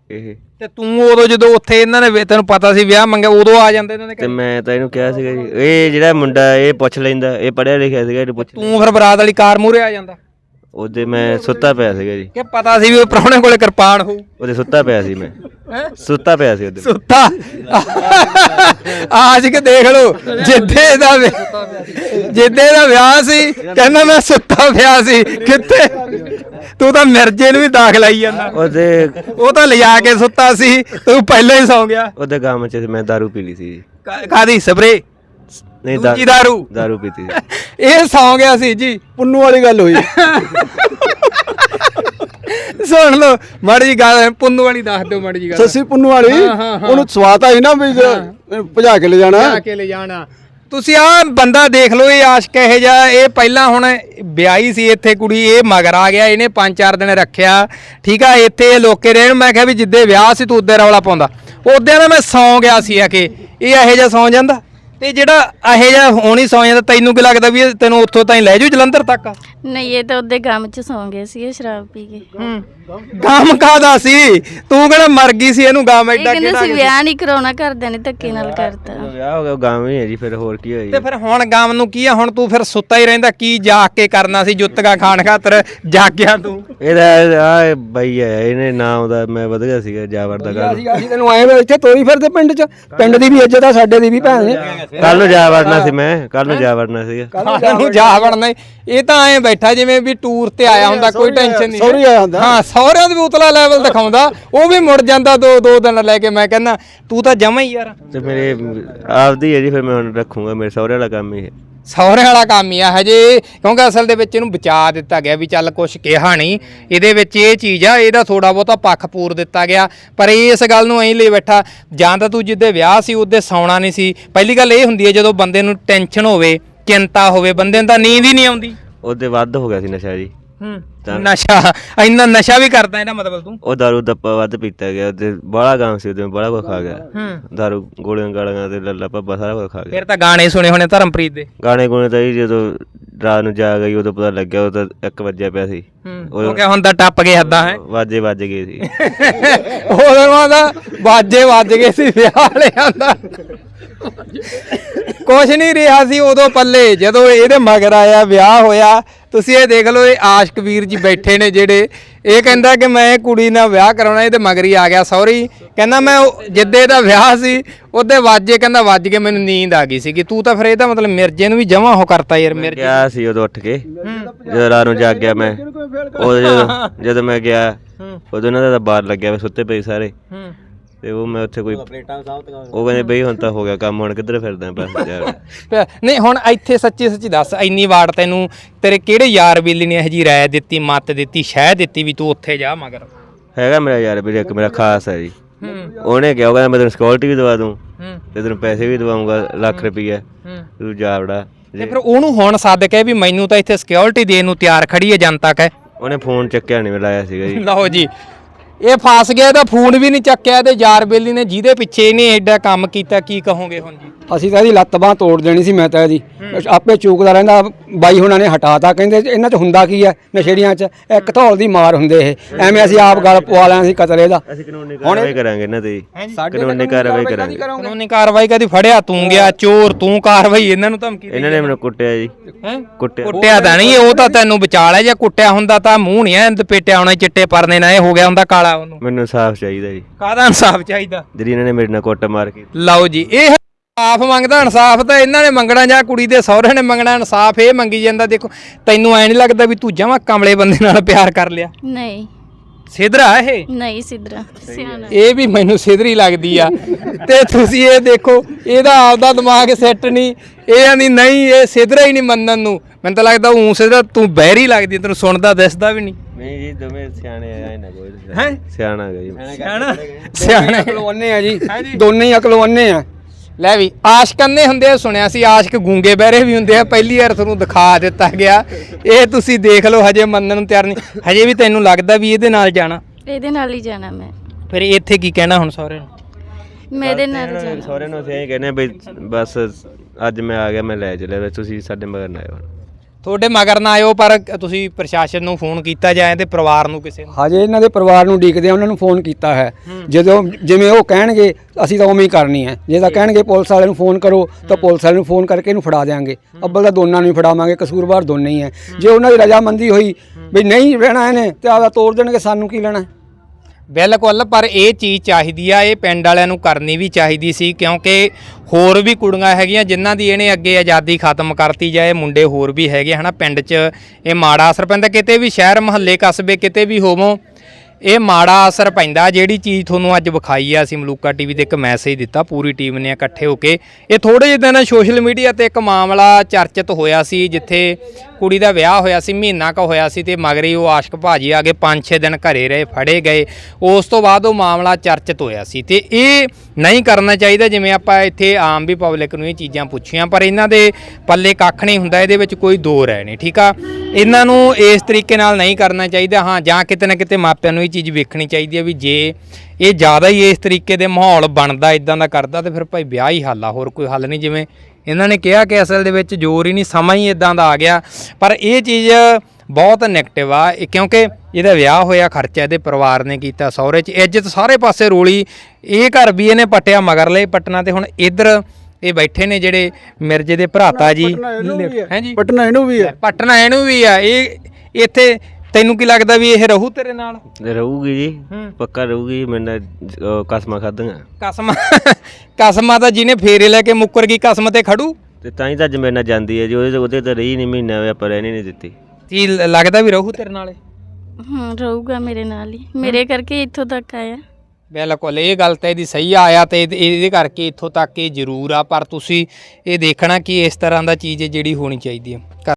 ਇਹ ਤੇ ਤੂੰ ਉਦੋਂ ਜਦੋਂ ਉੱਥੇ ਇਹਨਾਂ ਨੇ ਵੇ- ਤੈਨੂੰ ਪਤਾ ਸੀ ਵਿਆਹ ਮੰਗਿਆ ਉਦੋਂ ਆ ਜਾਂਦੇ ਇਹਨਾਂ ਨੇ ਤੇ ਘਰੇ? ਮੈਂ ਤਾਂ ਇਹਨੂੰ ਕਿਹਾ ਸੀਗਾ ਜੀ ਇਹ ਜਿਹੜਾ ਮੁੰਡਾ ਇਹ ਪੁੱਛ ਲੈਂਦਾ, ਇਹ ਪੜ੍ਹਿਆ ਲਿਖਿਆ ਸੀਗਾ, ਇਹਨੂੰ ਪੁੱਛ ਤੂੰ ਫਿਰ ਬਰਾਤ ਵਾਲੀ ਕਾਰ ਮੂਹਰੇ ਆ ਜਾਂਦਾ ਉਹਦੇ ਮੈਂ ਸੁੱਤਾ ਪਿਆ ਸੀਗਾ ਜੀ, ਕਿ ਪਤਾ ਸੀ ਵੀ ਉਹ ਪ੍ਰਾਹੁਣੇ ਕੋਲੇ ਕਿਰਪਾਨ ਹੋਊ? ਉਹਦੇ ਸੁੱਤਾ ਪਿਆ ਸੀ ਮੈਂ, ਹੈਂ? ਸੁੱਤਾ ਪਿਆ ਸੀ ਉਹਦੇ। ਸੁੱਤਾ ਆਜ ਕੇ ਦੇਖ ਲਓ, ਜਿੱਦੇ ਦਾ ਵਿਆਹ- ਜਿੱਦੇ ਦਾ ਵਿਆਹ ਸੀ ਕਹਿੰਦਾ ਮੈਂ ਸੁੱਤਾ ਪਿਆ ਸੀ। ਕਿੱਥੇ ਤੂੰ ਤਾਂ ਮਿਰਜੇ ਨੂੰ ਵੀ ਦਾਖ ਲਾਈ ਜਾਂਦਾ। ਉਹਦੇ ਉਹ ਤਾਂ ਲਿਜਾ ਕੇ ਸੁੱਤਾ ਸੀ, ਤੂੰ ਪਹਿਲਾਂ ਹੀ ਸੌਂ ਗਿਆ। ਉਹਦੇ ਗਾਮ ਚ ਮੈਂ ਦਾਰੂ ਪੀ ਲਈ ਸੀ ਜੀ। ਕਾ- ਕਾਹਦੀ ਸਪਰੇ? ਨਹੀਂ ਦੂਜੀ ਦਾਰੂ? ਦਾਰੂ ਪੀਤੀ ਸੀ। ਇਹ ਸੌਂ ਗਿਆ ਸੀ ਜੀ। ਪੁੰਨੂ ਵਾਲੀ ਗੱਲ ਹੋਈ। ਸੁਣ ਲਓ ਮਾੜੀ ਜੀ ਗੱਲ, ਪੁੰਨੂ ਵਾਲੀ ਦੱਸ ਦਿਓ ਮਾੜੀ ਜੀ ਗੱਲ। ਸੱਸੀ ਪੁੰਨੂ ਵਾਲੀ ਹਾਂ, ਹਾਂ, ਹਾਂ। ਉਹਨੂੰ ਸਵਾਦ ਆਈ ਨਾ ਵੀ ਭਜਾ ਕੇ ਲੈ ਜਾਣਾ। ਜਾ ਕੇ ਲੈ ਜਾਣਾ। ਤੁਸੀਂ ਆ ਬੰਦਾ ਦੇਖ ਲਓ, ਇਹ ਆਸ਼ਕ ਇਹ ਜਾ, ਇਹ ਪਹਿਲਾਂ ਹੁਣ ਵਿਆਹੀ ਸੀ ਇੱਥੇ ਕੁੜੀ, ਇਹ ਮਗਰ ਆ ਗਿਆ, ਇਹਨੇ ਪੰਜ ਚਾਰ ਦਿਨ ਰੱਖਿਆ, ਠੀਕ ਆ, ਇੱਥੇ ਇਹ ਲੋਕੇ ਰਹਿਣ। ਮੈਂ ਕਿਹਾ ਵੀ ਜਿੱਦੇ ਵਿਆਹ ਸੀ ਤੂੰ ਉਦੇ ਰੌਲਾ ਪਾਉਂਦਾ, ਉਦੋਂ ਨਾ ਮੈਂ ਸੌਂ ਗਿਆ ਸੀ ਆ ਕੇ। ਇਹ ਇਹੋ ਜਿਹਾ ਸੌਂ ਜਾਂਦਾ, ਤੇ ਜਿਹੜਾ ਇਹੋ ਜਿਹਾ ਹੁਣ ਹੀ ਸੌਂ ਜਾਂਦਾ। ਤੈਨੂੰ ਕੀ ਲੱਗਦਾ ਵੀ ਇਹ ਤੈਨੂੰ ਉੱਥੋਂ ਤਾਈਂ ਲੈ ਜਾਊ ਜਲੰਧਰ ਤੱਕ? ਨਹੀਂ, ਇਹ ਤਾਂ ਉਹਦੇ ਗਮ 'ਚ ਸੌਂ ਗਏ ਸੀ, ਇਹ ਸ਼ਰਾਬ ਪੀ ਕੇ। ਹੂੰ, ਗਮ ਕਾਹਦਾ ਸੀ? ਤੂੰ ਕਿਹੜਾ ਮਰ ਗਈ ਸੀ? ਇਹਨੂੰ ਗਮ ਇਹ ਐਡਾ ਕਹਿੰਦੇ ਕਿਹੜਾ ਸੀ ਵਿਆਹ ਨਹੀਂ ਕਰਾਉਣਾ, ਘਰਦਿਆਂ ਨੇ ਧੱਕੇ ਨਾਲ ਕਰਤਾ। ਵਿਆਹ ਹੋ ਗਿਆ, ਗਾਮ ਹੀ ਹੈ ਜੀ, ਫਿਰ ਹੋਰ ਕੀ ਹੋਇਆ ਜੀ। ਤੇ ਫਿਰ ਹੁਣ ਗਮ ਨੂੰ ਕੀ ਆ? ਹੁਣ ਤੂੰ ਫਿਰ ਸੁੱਤਾ ਹੀ ਰਹਿੰਦਾ, ਕੀ ਜਾਗ ਕੇ ਕਰਨਾ ਸੀ? ਜੁੱਤੀਆਂ ਖਾਣ ਖਾਤਰ ਜਾਗਿਆ ਤੂੰ? ਇਹਦਾ ਆ ਬਾਈ ਆਇਆ, ਇਹਨੇ ਨਾਮ ਉਹਦਾ ਮੈਂ ਵਧ ਗਿਆ ਸੀਗਾ ਜਾਵਰ ਦਾ। ਕੱਲ ਅਸੀਂ ਤੈਨੂੰ ਆਏ ਵੇ ਇੱਥੇ ਤੋਰੀ ਫਿਰਦੇ ਪਿੰਡ 'ਚ। ਪਿੰਡ ਦੀ ਵੀ ਇੱਜ਼ਤ ਆ, ਸਾਡੇ ਦੀ ਵੀ ਭੈਣ ਨੇ। ਕੱਲ ਨੂੰ ਜਾ ਵੜਨਾ ਸੀ ਮੈਂ, ਕੱਲ ਨੂੰ ਜਾ ਵੜਨਾ ਸੀਗਾ। ਕੱਲ ਨੂੰ ਜਾ ਵੜਨਾ ਈ। ਇਹ ਤਾਂ ਐਂ ਬੈਠਾ ਜਿਵੇਂ ਵੀ ਟੂਰ ਤੇ ਆਇਆ ਹੁੰਦਾ, ਕੋਈ ਟੈਨਸ਼ਨ ਨਹੀਂ। ਸਹੁਰੇ ਆਇਆ ਹੁੰਦਾ। ਹਾਂ, ਸਹੁਰਿਆਂ ਦੇ ਵੀ ਉਤਲਾ ਲੈਵਲ ਦਿਖਾਉਂਦਾ, ਉਹ ਵੀ ਮੁੜ ਜਾਂਦਾ ਦੋ ਦੋ ਦਿਨ ਲੈ ਕੇ। ਮੈਂ ਕਹਿੰਦਾ ਤੂੰ ਤਾਂ ਜਮਾ ਹੀ ਯਾਰ ਤੇ ਮੇਰੇ ਆਪਦੀ ਹੈ ਜੀ, ਫਿਰ ਮੈਂ ਹੁਣ ਰੱਖੂੰਗਾ, ਮੇਰੇ ਸਹੁਰੇ ਵਾਲਾ ਕੰਮ ਹੀ ਹੈ। ਸਹੁਰਿਆਂ ਵਾਲਾ ਕੰਮ ਹੀ ਆ ਹਜੇ, ਕਿਉਂਕਿ ਅਸਲ ਦੇ ਵਿੱਚ ਇਹਨੂੰ ਬਚਾ ਦਿੱਤਾ ਗਿਆ ਵੀ ਚੱਲ ਕੁਛ ਕਿਹਾ ਨਹੀਂ, ਇਹਦੇ ਵਿੱਚ ਇਹ ਚੀਜ਼ ਆ, ਇਹਦਾ ਥੋੜਾ ਬਹੁਤਾ ਪੱਖ ਪੂਰ ਦਿੱਤਾ ਗਿਆ। ਪਰ ਇਹ ਇਸ ਗੱਲ ਨੂੰ ਐਂ ਲਈ ਬੈਠਾ, ਜਾਂ ਤਾਂ ਤੂੰ ਜਿੱਦੇ ਵਿਆਹ ਸੀ ਉਹਦੇ ਸੌਣਾ ਨਹੀਂ ਸੀ। ਪਹਿਲੀ ਗੱਲ ਇਹ ਹੁੰਦੀ ਹੈ ਜਦੋਂ ਬੰਦੇ ਨੂੰ ਟੈਨਸ਼ਨ ਹੋਵੇ, ਚਿੰਤਾ ਹੋਵੇ, ਬੰਦੇ ਨੂੰ ਤਾਂ ਨੀਂਦ ਹੀ ਨਹੀਂ ਆਉਂਦੀ। ਉਹਦੇ ਵੱਧ ਹੋ ਗਿਆ ਸੀ ਨਸ਼ਾ ਜੀ। ਹੂੰ, ਨਸ਼ਾ ਇੰਨਾ ਨਸ਼ਾ ਵੀ ਕਰਦਾ ਇਹਦਾ ਮਤਲਬ ਤੂੰ? ਉਹ ਦਾਰੂ ਦੱਪਾ ਵੱਧ ਪੀਤਾ ਗਿਆ, ਉਹਦੇ ਬਾਹਲਾ ਗਾਮ ਸੀ, ਉਹਦੇ ਬਾਹਲਾ ਕੁਛ ਖਾ ਗਿਆ। ਹੂੰ, ਦਾਰੂ ਗੋਲੀਆਂ ਗਾਲੀਆਂ ਤੇ ਲੱਲਾ ਪੱਬਾ ਸਾਰਾ ਕੁਛ ਖਾ ਗਿਆ। ਫਿਰ ਤਾਂ ਗਾਣੇ ਸੁਣੇ ਹੋਣੇ ਧਰਮਪ੍ਰੀਤ ਦੇ। ਗਾਣੇ ਗੁਣੇ ਤਾਂ ਜੀ ਜਦੋਂ ਰਾਤ ਨੂੰ ਜਾ ਗਈ ਉਦੋਂ ਪਤਾ ਲੱਗਿਆ, ਉਹ ਤਾਂ ਇੱਕ ਵੱਜਿਆ ਪਿਆ ਸੀ। ਹੂੰ, ਉਹ ਕਿਹਾ ਹੁੰਦਾ ਟੱਪ ਗਏ ਹੱਦਾਂ ਹੈ। ਵਾਜੇ ਵੱਜ ਗਏ ਸੀ। ਉਹਨਾਂ ਦਾ ਬਾਜੇ ਵੱਜ ਗਏ ਸੀ ਵਿਆਹ ਵਾਲਿਆਂ ਦਾ। ਕੁਛ ਨਹੀਂ ਰਿਹਾ ਸੀ ਉਦੋਂ ਪੱਲੇ, ਜਦੋਂ ਇਹਦੇ ਮਗਰ ਆਇਆ ਵਿਆਹ ਹੋਇਆ। ਤੁਸੀਂ ਇਹ ਦੇਖ ਲਓ, ਇਹ ਆਸ਼ਕ ਵੀਰ ਜੀ ਬੈਠੇ ਨੇ ਜਿਹੜੇ, ਇਹ ਕਹਿੰਦਾ ਕਿ ਮੈਂ ਕੁੜੀ ਨਾਲ ਵਿਆਹ ਕਰਾਉਣਾ, ਇਹਦੇ ਮਗਰ ਹੀ ਆ ਗਿਆ। ਸੌਰੀ ਕਹਿੰਦਾ ਮੈਂ ਜਿੱਦੇ ਦਾ ਵਿਆਹ ਸੀ ਉਹਦੇ ਵਾਜੇ, ਕਹਿੰਦਾ ਵੱਜ ਕੇ ਮੈਨੂੰ ਨੀਂਦ ਆ ਗਈ ਸੀਗੀ। ਤੂੰ ਤਾਂ ਫਿਰ ਇਹਦਾ ਮਤਲਬ ਮਿਰਜੇ ਨੂੰ ਵੀ ਜਮਾ ਉਹ ਕਰਤਾ ਯਾਰ। ਮਿਰਜੇ ਗਿਆ ਸੀ ਉਦੋਂ ਉੱਠ ਕੇ, ਜਦੋਂ ਰਾਤ ਨੂੰ ਜਾਗ ਗਿਆ ਮੈਂ, ਉਹ ਜਦੋਂ ਜਦੋਂ ਮੈਂ ਗਿਆ ਉਦੋਂ ਇਹਨਾਂ ਦਾ ਬਾਹਰ ਲੱਗਿਆ ਵੇ, ਸੁੱਤੇ ਪਏ ਸਾਰੇ। ਤੇ ਉਹ ਮੈਂ ਉੱਥੇ ਕੋਈ ਉਹ ਕਹਿੰਦੇ ਬਈ ਹੁਣ ਤਾਂ ਹੋ ਗਿਆ ਕੰਮ, ਹੁਣ ਕਿੱਧਰ ਫਿਰਦਾ ਬਸ ਯਾਰ। ਨਹੀਂ ਹੁਣ ਇੱਥੇ ਸੱਚੀ ਸੱਚੀ ਦੱਸ, ਇੰਨੀ ਵਾਰ ਤੈਨੂੰ ਤੇਰੇ ਕਿਹੜੇ ਯਾਰ ਬੇਲੀ ਨੇ ਇਹ ਜੀ ਰਾਏ ਦਿੱਤੀ, ਮੱਤ ਦਿੱਤੀ, ਸ਼ਹਿ ਦਿੱਤੀ ਵੀ ਤੂੰ ਉੱਥੇ ਜਾ ਮਗਰ? ਹੈਗਾ ਮੇਰਾ ਯਾਰ ਵੀਰ ਇੱਕ, ਮੇਰਾ ਖਾਸ ਹੈ ਜੀ। ਉਹਨੇ ਕਿਹਾ, ਉਹ ਕਹਿੰਦਾ ਮੈਂ ਤੈਨੂੰ ਸਿਕਿਉਰਿਟੀ ਵੀ ਦਵਾ ਦੂੰ ਤੇ ਤੈਨੂੰ ਪੈਸੇ ਵੀ ਦਵਾਉਂਗਾ ਲੱਖ ਰੁਪਈਆ, ਤੂੰ ਜਾ ਵੜਾ। ਤੇ ਫਿਰ ਉਹਨੂੰ ਹੁਣ ਸੱਦ ਕੇ ਵੀ ਮੈਨੂੰ ਤਾਂ ਇੱਥੇ ਸਿਕਿਉਰਿਟੀ ਦੇਣ ਨੂੰ ਤਿਆਰ ਖੜੀ ਹੈ ਜਨਤਾ ਕਹਿ। ਉਹਨੇ ਫੋਨ ਚੱਕਿਆ ਨਹੀਂ, ਮਿਲਾਇਆ ਸੀਗਾ ਜੀ। ਲਓ ਜੀ, ਇਹ ਫਸ ਗਿਆ, ਇਹਦਾ ਫੋਨ ਵੀ ਨਹੀਂ ਚੱਕਿਆ ਤੇ ਯਾਰ ਬੇਲੀ ਨੇ ਜਿਹਦੇ ਪਿੱਛੇ ਇਹਨੇ ਐਡਾ ਕੰਮ ਕੀਤਾ। ਕੀ ਕਹੋਗੇ ਹੁਣ ਜੀ? ਅਸੀਂ ਤਾਂ ਇਹਦੀ ਲੱਤ ਬਾਂਹ ਤੋੜ ਦੇਣੀ ਸੀ। ਮੈਂ ਤਾਂ ਇਹਦੀ ਆਪੇ ਚੂਕਦਾ ਰਹਿੰਦਾ। ਬਾਈ ਹੁਣਾਂ ਨੇ ਹਟਾਤਾ, ਕਹਿੰਦੇ ਇਹਨਾਂ 'ਚ ਹੁੰਦਾ ਕੀ ਹੈ ਨਸ਼ੇੜੀਆਂ 'ਚ, ਇੱਕ ਧੌਲ ਦੀ ਮਾਰ ਹੁੰਦੇ ਇਹ। ਐਵੇਂ ਅਸੀਂ ਆਪ ਗੱਲ ਪਵਾ ਲਿਆ ਸੀ ਕਤਲੇ ਦਾ। ਅਸੀਂ ਕਾਨੂੰਨੀ ਕਾਰਵਾਈ ਕਰਾਂਗੇ ਇਹਨਾਂ ਤੇ, ਕਾਨੂੰਨੀ ਕਾਰਵਾਈ ਕਰਾਂਗੇ। ਕਾਨੂੰਨੀ ਕਾਰਵਾਈ ਕਦੀ ਫੜਿਆ ਤੂੰ ਗਿਆ ਚੋਰ, ਤੂੰ ਕਾਰਵਾਈ ਇਹਨਾਂ ਨੂੰ ਧਮਕੀ ਦੇ। ਇਹਨਾਂ ਨੇ ਮੈਨੂੰ ਕੁੱਟਿਆ ਜੀ। ਹੈਂ? ਕੁੱਟਿਆ ਕੁੱਟਿਆ ਤਾਂ ਨਹੀਂ, ਉਹ ਤਾਂ ਤੈਨੂੰ ਬਚਾ ਲਿਆ। ਜੇ ਕੁੱਟਿਆ ਹੁੰਦਾ ਤਾਂ ਮੂੰਹ ਨਹੀਂ ਐ ਪੇਟਿਆ ਹੋਣਾ, ਚਿੱਟੇ ਪਰਨੇ ਨਾਲ ਇਹ ਹੋ ਗਿਆ ਹੁੰਦਾ ਕਾਲਾ। ਉਹਨੂੰ ਮੈਨੂੰ ਇਨਸਾਫ ਚਾਹੀਦਾ ਜੀ। ਕਾਹਦਾ ਇਨਸਾਫ ਚਾਹੀਦਾ? ਜਿਹੜੀ ਇਹਨਾਂ ਨੇ ਮੇਰੇ ਨਾਲ ਕੁੱਟ ਮਾਰ ਕੇ। ਲਓ ਜੀ, ਇਹ ਇਨਸਾਫ ਮੰਗਦਾ। ਇਨਸਾਫ ਤਾਂ ਇਹਨਾਂ ਨੇ ਮੰਗਣਾ ਜਾਂ ਕੁੜੀ ਦੇ ਸਹੁਰੇ ਨੇ ਮੰਗਣਾ, ਇਨਸਾਫ ਇਹ ਮੰਗੀ ਜਾਂਦਾ। ਦੇਖੋ ਤੈਨੂੰ ਐ ਨਹੀਂ ਲੱਗਦਾ ਵੀ ਤੂੰ ਜਮਾਂ ਕਮਲੇ ਬੰਦੇ ਨਾਲ ਪਿਆਰ ਕਰ ਲਿਆ? ਨਹੀਂ ਸਿਧਰਾ ਇਹ ਨਹੀਂ, ਸਿੱਧਰਾ ਸਿਆਣਾ। ਇਹ ਵੀ ਮੈਨੂੰ ਸਿਧਰੀ ਲੱਗਦੀ ਆ। ਤੇ ਤੁਸੀਂ ਇਹ ਦੇਖੋ, ਇਹਦਾ ਆਪਦਾ ਦਿਮਾਗ ਸੈੱਟ ਨਹੀਂ। ਇਹ ਆਂਦੀ ਨਹੀਂ, ਇਹ ਸਿਧਰਾ ਹੀ ਨਹੀਂ ਮੰਨਣ ਨੂੰ। ਮੈਨੂੰ ਤਾਂ ਲੱਗਦਾ ਊਂ ਸਿਧਰਾ, ਤੂੰ ਬਹਿਰੀ ਲੱਗਦੀ, ਤੈਨੂੰ ਸੁਣਦਾ ਦਿਸਦਾ ਵੀ ਨਹੀਂ। ਨਹੀਂ ਜੀ, ਦੋਵੇਂ ਸਿਆਣੇ ਆ ਇਹਨਾਂ ਕੋਈ। ਹੈਂ? ਸਿਆਣਾ ਗਈ ਸਿਆਣਾ ਸਿਆਣੇ ਅਕਲਵਾਨੇ ਆ ਜੀ, ਦੋਨੇ ਹੀ ਅਕਲਵਾਨੇ ਆ। ਲੈ ਵੀ ਆਸ਼ਕ ਅੰਨੇ ਹੁੰਦੇ ਆ, ਸੁਣਿਆ ਸੀ ਆਸ਼ਕ ਗੂੰਗੇ ਬਹਿਰੇ ਵੀ ਹੁੰਦੇ ਆ। ਪਹਿਲੀ ਵਾਰ ਤੁਹਾਨੂੰ ਦਿਖਾ ਦਿੱਤਾ ਗਿਆ। ਇਹ ਤੁਸੀਂ ਦੇਖ ਲਓ, ਹਜੇ ਮੰਨਣ ਨੂੰ ਤਿਆਰ ਨਹੀਂ। ਹਜੇ ਵੀ ਤੈਨੂੰ ਲੱਗਦਾ ਵੀ ਇਹਦੇ ਨਾਲ ਜਾਣਾ? ਇਹਦੇ ਨਾਲ ਹੀ ਜਾਣਾ ਮੈਂ। ਫਿਰ ਇੱਥੇ ਕੀ ਕਹਿਣਾ ਹੁਣ ਸਹੁਰੇ ਨੂੰ? ਮੇਰੇ ਨਾਲ ਜਾਣਾ। ਸਹੁਰੇ ਨੂੰ ਅਸੀਂ ਇਹੀ ਕਹਿੰਦੇ ਬਈ ਬਸ ਅੱਜ ਮੈਂ ਆ ਗਿਆ, ਮੈਂ ਲੈ ਚੱਲਿਆ, ਤੁਸੀਂ ਸਾਡੇ ਮਗਰ ਨਾ ਆਇਓ। ਤੁਹਾਡੇ ਮਗਰ ਨਾ ਆਇਓ, ਪਰ ਤੁਸੀਂ ਪ੍ਰਸ਼ਾਸਨ ਨੂੰ ਫੋਨ ਕੀਤਾ ਜਾਏ ਤੇ ਪਰਿਵਾਰ ਨੂੰ ਕਿਸੇ ਨੂੰ? ਹਜੇ ਇਹਨਾਂ ਦੇ ਪਰਿਵਾਰ ਨੂੰ ਉਡੀਕਦੇ ਆ, ਉਹਨਾਂ ਨੂੰ ਫੋਨ ਕੀਤਾ ਹੈ। ਜਦੋਂ ਜਿਵੇਂ ਉਹ ਕਹਿਣਗੇ ਅਸੀਂ ਤਾਂ ਉਵੇਂ ਹੀ ਕਰਨੀ ਹੈ। ਜੇ ਤਾਂ ਕਹਿਣਗੇ ਪੁਲਿਸ ਵਾਲਿਆਂ ਨੂੰ ਫੋਨ ਕਰੋ ਤਾਂ ਪੁਲਿਸ ਵਾਲਿਆਂ ਨੂੰ ਫੋਨ ਕਰਕੇ ਇਹਨੂੰ ਫੜਾ ਦੇਾਂਗੇ। ਅੱਬਲ ਤਾਂ ਦੋਨਾਂ ਨੂੰ ਹੀ ਫੜਾਵਾਂਗੇ, ਕਸੂਰਵਾਰ ਦੋਨੇ ਹੀ ਹੈ। ਜੇ ਉਹਨਾਂ ਦੀ ਰਜਾਮੰਦੀ ਹੋਈ ਵੀ ਨਹੀਂ ਰਹਿਣਾ ਇਹਨੇ ਤੇ ਆਪਦਾ ਤੋੜ ਦੇਣਗੇ, ਸਾਨੂੰ ਕੀ ਲੈਣਾ। ਬਿਲਕੁਲ, ਪਰ ਇਹ ਚੀਜ਼ ਚਾਹੀਦੀ ਆ, ਇਹ ਪਿੰਡ ਵਾਲਿਆਂ ਨੂੰ ਕਰਨੀ ਵੀ ਚਾਹੀਦੀ ਸੀ, ਕਿਉਂਕਿ ਹੋਰ ਵੀ ਕੁੜੀਆਂ ਹੈਗੀਆਂ ਜਿਨ੍ਹਾਂ ਦੀ ਇਹਨੇ ਅੱਗੇ ਆਜ਼ਾਦੀ ਖਤਮ ਕਰਤੀ ਜਾਏ, ਮੁੰਡੇ ਹੋਰ ਵੀ ਹੈਗੇ ਹਨਾ ਪਿੰਡ 'ਚ। ਇਹ ਮਾੜਾ ਅਸਰ ਪੈਂਦਾ ਕਿਤੇ ਵੀ, ਸ਼ਹਿਰ ਮੁਹੱਲੇ ਕਸਬੇ ਕਿਤੇ ਵੀ ਹੋਵੋ, ਇਹ ਮਾੜਾ ਅਸਰ ਪੈਂਦਾ। ਜਿਹੜੀ ਚੀਜ਼ ਤੁਹਾਨੂੰ ਅੱਜ ਵਿਖਾਈ ਆ, ਅਸੀਂ ਮਲੂਕਾ ਟੀਵੀ ਤੇ ਇੱਕ ਮੈਸੇਜ ਦਿੱਤਾ ਪੂਰੀ ਟੀਮ ਨੇ ਇਕੱਠੇ ਹੋ ਕੇ। ਇਹ ਥੋੜ੍ਹੇ ਜਿਹੇ ਦਿਨ ਸੋਸ਼ਲ ਮੀਡੀਆ ਤੇ ਇੱਕ ਮਾਮਲਾ ਚਰਚਿਤ ਹੋਇਆ ਸੀ, ਜਿੱਥੇ ਕੁੜੀ ਦਾ ਵਿਆਹ ਹੋਇਆ ਸੀ, ਮਹੀਨਾ ਕੁ ਹੋਇਆ ਸੀ, ਤੇ ਮਗਰੀ ਉਹ ਆਸ਼ਕ ਭਾਜੀ ਆ ਗਏ, ਪੰਜ ਛੇ ਦਿਨ ਘਰੇ ਰਹੇ, ਫੜੇ ਗਏ। ਉਸ ਤੋਂ ਬਾਅਦ ਉਹ ਮਾਮਲਾ ਚਰਚਿਤ ਹੋਇਆ ਸੀ, ਤੇ ਇਹ ਨਹੀਂ ਕਰਨਾ ਚਾਹੀਦਾ। ਜਿਵੇਂ ਆਪਾਂ ਇੱਥੇ ਆਮ ਵੀ ਪਬਲਿਕ ਨੂੰ ਇਹ ਚੀਜ਼ਾਂ ਪੁੱਛੀਆਂ, ਪਰ ਇਹਨਾਂ ਦੇ ਪੱਲੇ ਕੱਖ ਨਹੀਂ ਹੁੰਦਾ, ਇਹਦੇ ਵਿੱਚ ਕੋਈ ਦੋ ਰਾਏ ਨਹੀਂ, ਠੀਕ ਆ। ਇਹਨਾਂ ਨੂੰ ਇਸ ਤਰੀਕੇ ਨਾਲ ਨਹੀਂ ਕਰਨਾ ਚਾਹੀਦਾ। ਹਾਂ, ਜਾਂ ਕਿਤੇ ਨਾ ਕਿਤੇ ਮਾਪਿਆਂ ਨੂੰ ਇਹ ਚੀਜ਼ ਵੇਖਣੀ ਚਾਹੀਦੀ ਹੈ ਵੀ ਜੇ ਇਹ ਜ਼ਿਆਦਾ ਹੀ ਇਸ ਤਰੀਕੇ ਦੇ ਮਾਹੌਲ ਬਣਦਾ, ਇਦਾਂ ਦਾ ਕਰਦਾ, ਤੇ ਫਿਰ ਭਾਈ ਵਿਆਹ ਹੀ ਹੱਲ ਆ, ਹੋਰ ਕੋਈ ਹੱਲ ਨਹੀਂ। ਜਿਵੇਂ ਇਹਨਾਂ ਨੇ ਕਿਹਾ ਕਿ ਅਸਲ ਦੇ ਵਿੱਚ ਜ਼ੋਰ ਹੀ ਨਹੀਂ, ਸਮਾਂ ਹੀ ਇਦਾਂ ਦਾ ਆ ਗਿਆ। ਪਰ ਇਹ ਚੀਜ਼ ਬਹੁਤ ਨੈਗੇਟਿਵ ਆ, ਕਿਉਂਕਿ ਇਹਦਾ ਵਿਆਹ ਹੋਇਆ, ਖਰਚਾ ਇਹਦੇ ਪਰਿਵਾਰ ਨੇ ਕੀਤਾ, ਸਹੁਰੇ 'ਚ ਇੱਜ਼ਤ ਸਾਰੇ ਪਾਸੇ ਰੋਲੀ, ਇਹ ਘਰ ਵੀ ਇਹਨੇ ਪੱਟਿਆ, ਮਗਰਲੇ ਪੱਟਣਾ, ਤੇ ਹੁਣ ਇੱਧਰ ਇਹ ਬੈਠੇ ਨੇ ਜਿਹੜੇ ਮਿਰਜ਼ੇ ਦੇ ਭਰਾਤਾ ਜੀ, ਹੈ ਜੀ, ਪਟਨਾ ਇਹਨੂੰ ਵੀ ਹੈ, ਪੱਟਣਾ ਇਹਨੂੰ ਵੀ ਆ। ਇਹ ਇੱਥੇ ਤੈਨੂੰ ਕੀ ਲੱਗਦਾ ਵੀ ਇਹ ਰਹੂ ਤੇਰੇ ਨਾਲ? ਰਹੂਗੀ ਜੀ, ਪੱਕਾ ਰਹੂਗੀ। ਮੈਨਾਂ ਕਸਮਾਂ ਖਾਧੀਆਂ, ਕਸਮਾਂ ਕਸਮਾਂ ਤਾਂ ਜਿਹਨੇ ਫੇਰੇ ਲੈ ਕੇ ਮੁੱਕਰ ਗਈ, ਕਸਮ ਤੇ ਖੜੂ। ਤੇ ਤਾਂ ਹੀ ਤਾਂ ਅੱਜ ਮੇਰੇ ਨਾਲ ਜਾਂਦੀ ਹੈ ਜੀ। ਉਹਦੇ ਉਹਦੇ ਤਾਂ ਰਹੀ ਨਹੀਂ, ਮਹੀਨਾ ਹੋਇਆ ਪਰ ਰਹਿਣੀ ਨਹੀਂ ਦਿੱਤੀ। ਕੀ ਲੱਗਦਾ ਵੀ ਰਹੂ ਤੇਰੇ ਨਾਲ? ਹਾਂ ਰਹੂਗਾ ਮੇਰੇ ਨਾਲ ਹੀ, ਮੇਰੇ ਕਰਕੇ ਇੱਥੋਂ ਤੱਕ ਆਇਆ। ਬਿਲਕੁਲ, ਇਹ ਗੱਲ ਤਾਂ ਇਹਦੀ ਸਹੀ ਆਇਆ, ਤੇ ਇਹਦੇ ਕਰਕੇ ਇੱਥੋਂ ਤੱਕ ਇਹ ਜ਼ਰੂਰ ਆ। ਪਰ ਤੁਸੀਂ ਇਹ ਦੇਖਣਾ ਕਿ ਇਸ ਤਰ੍ਹਾਂ ਦਾ ਚੀਜ਼ ਜਿਹੜੀ ਹੋਣੀ ਚਾਹੀਦੀ ਹੈ।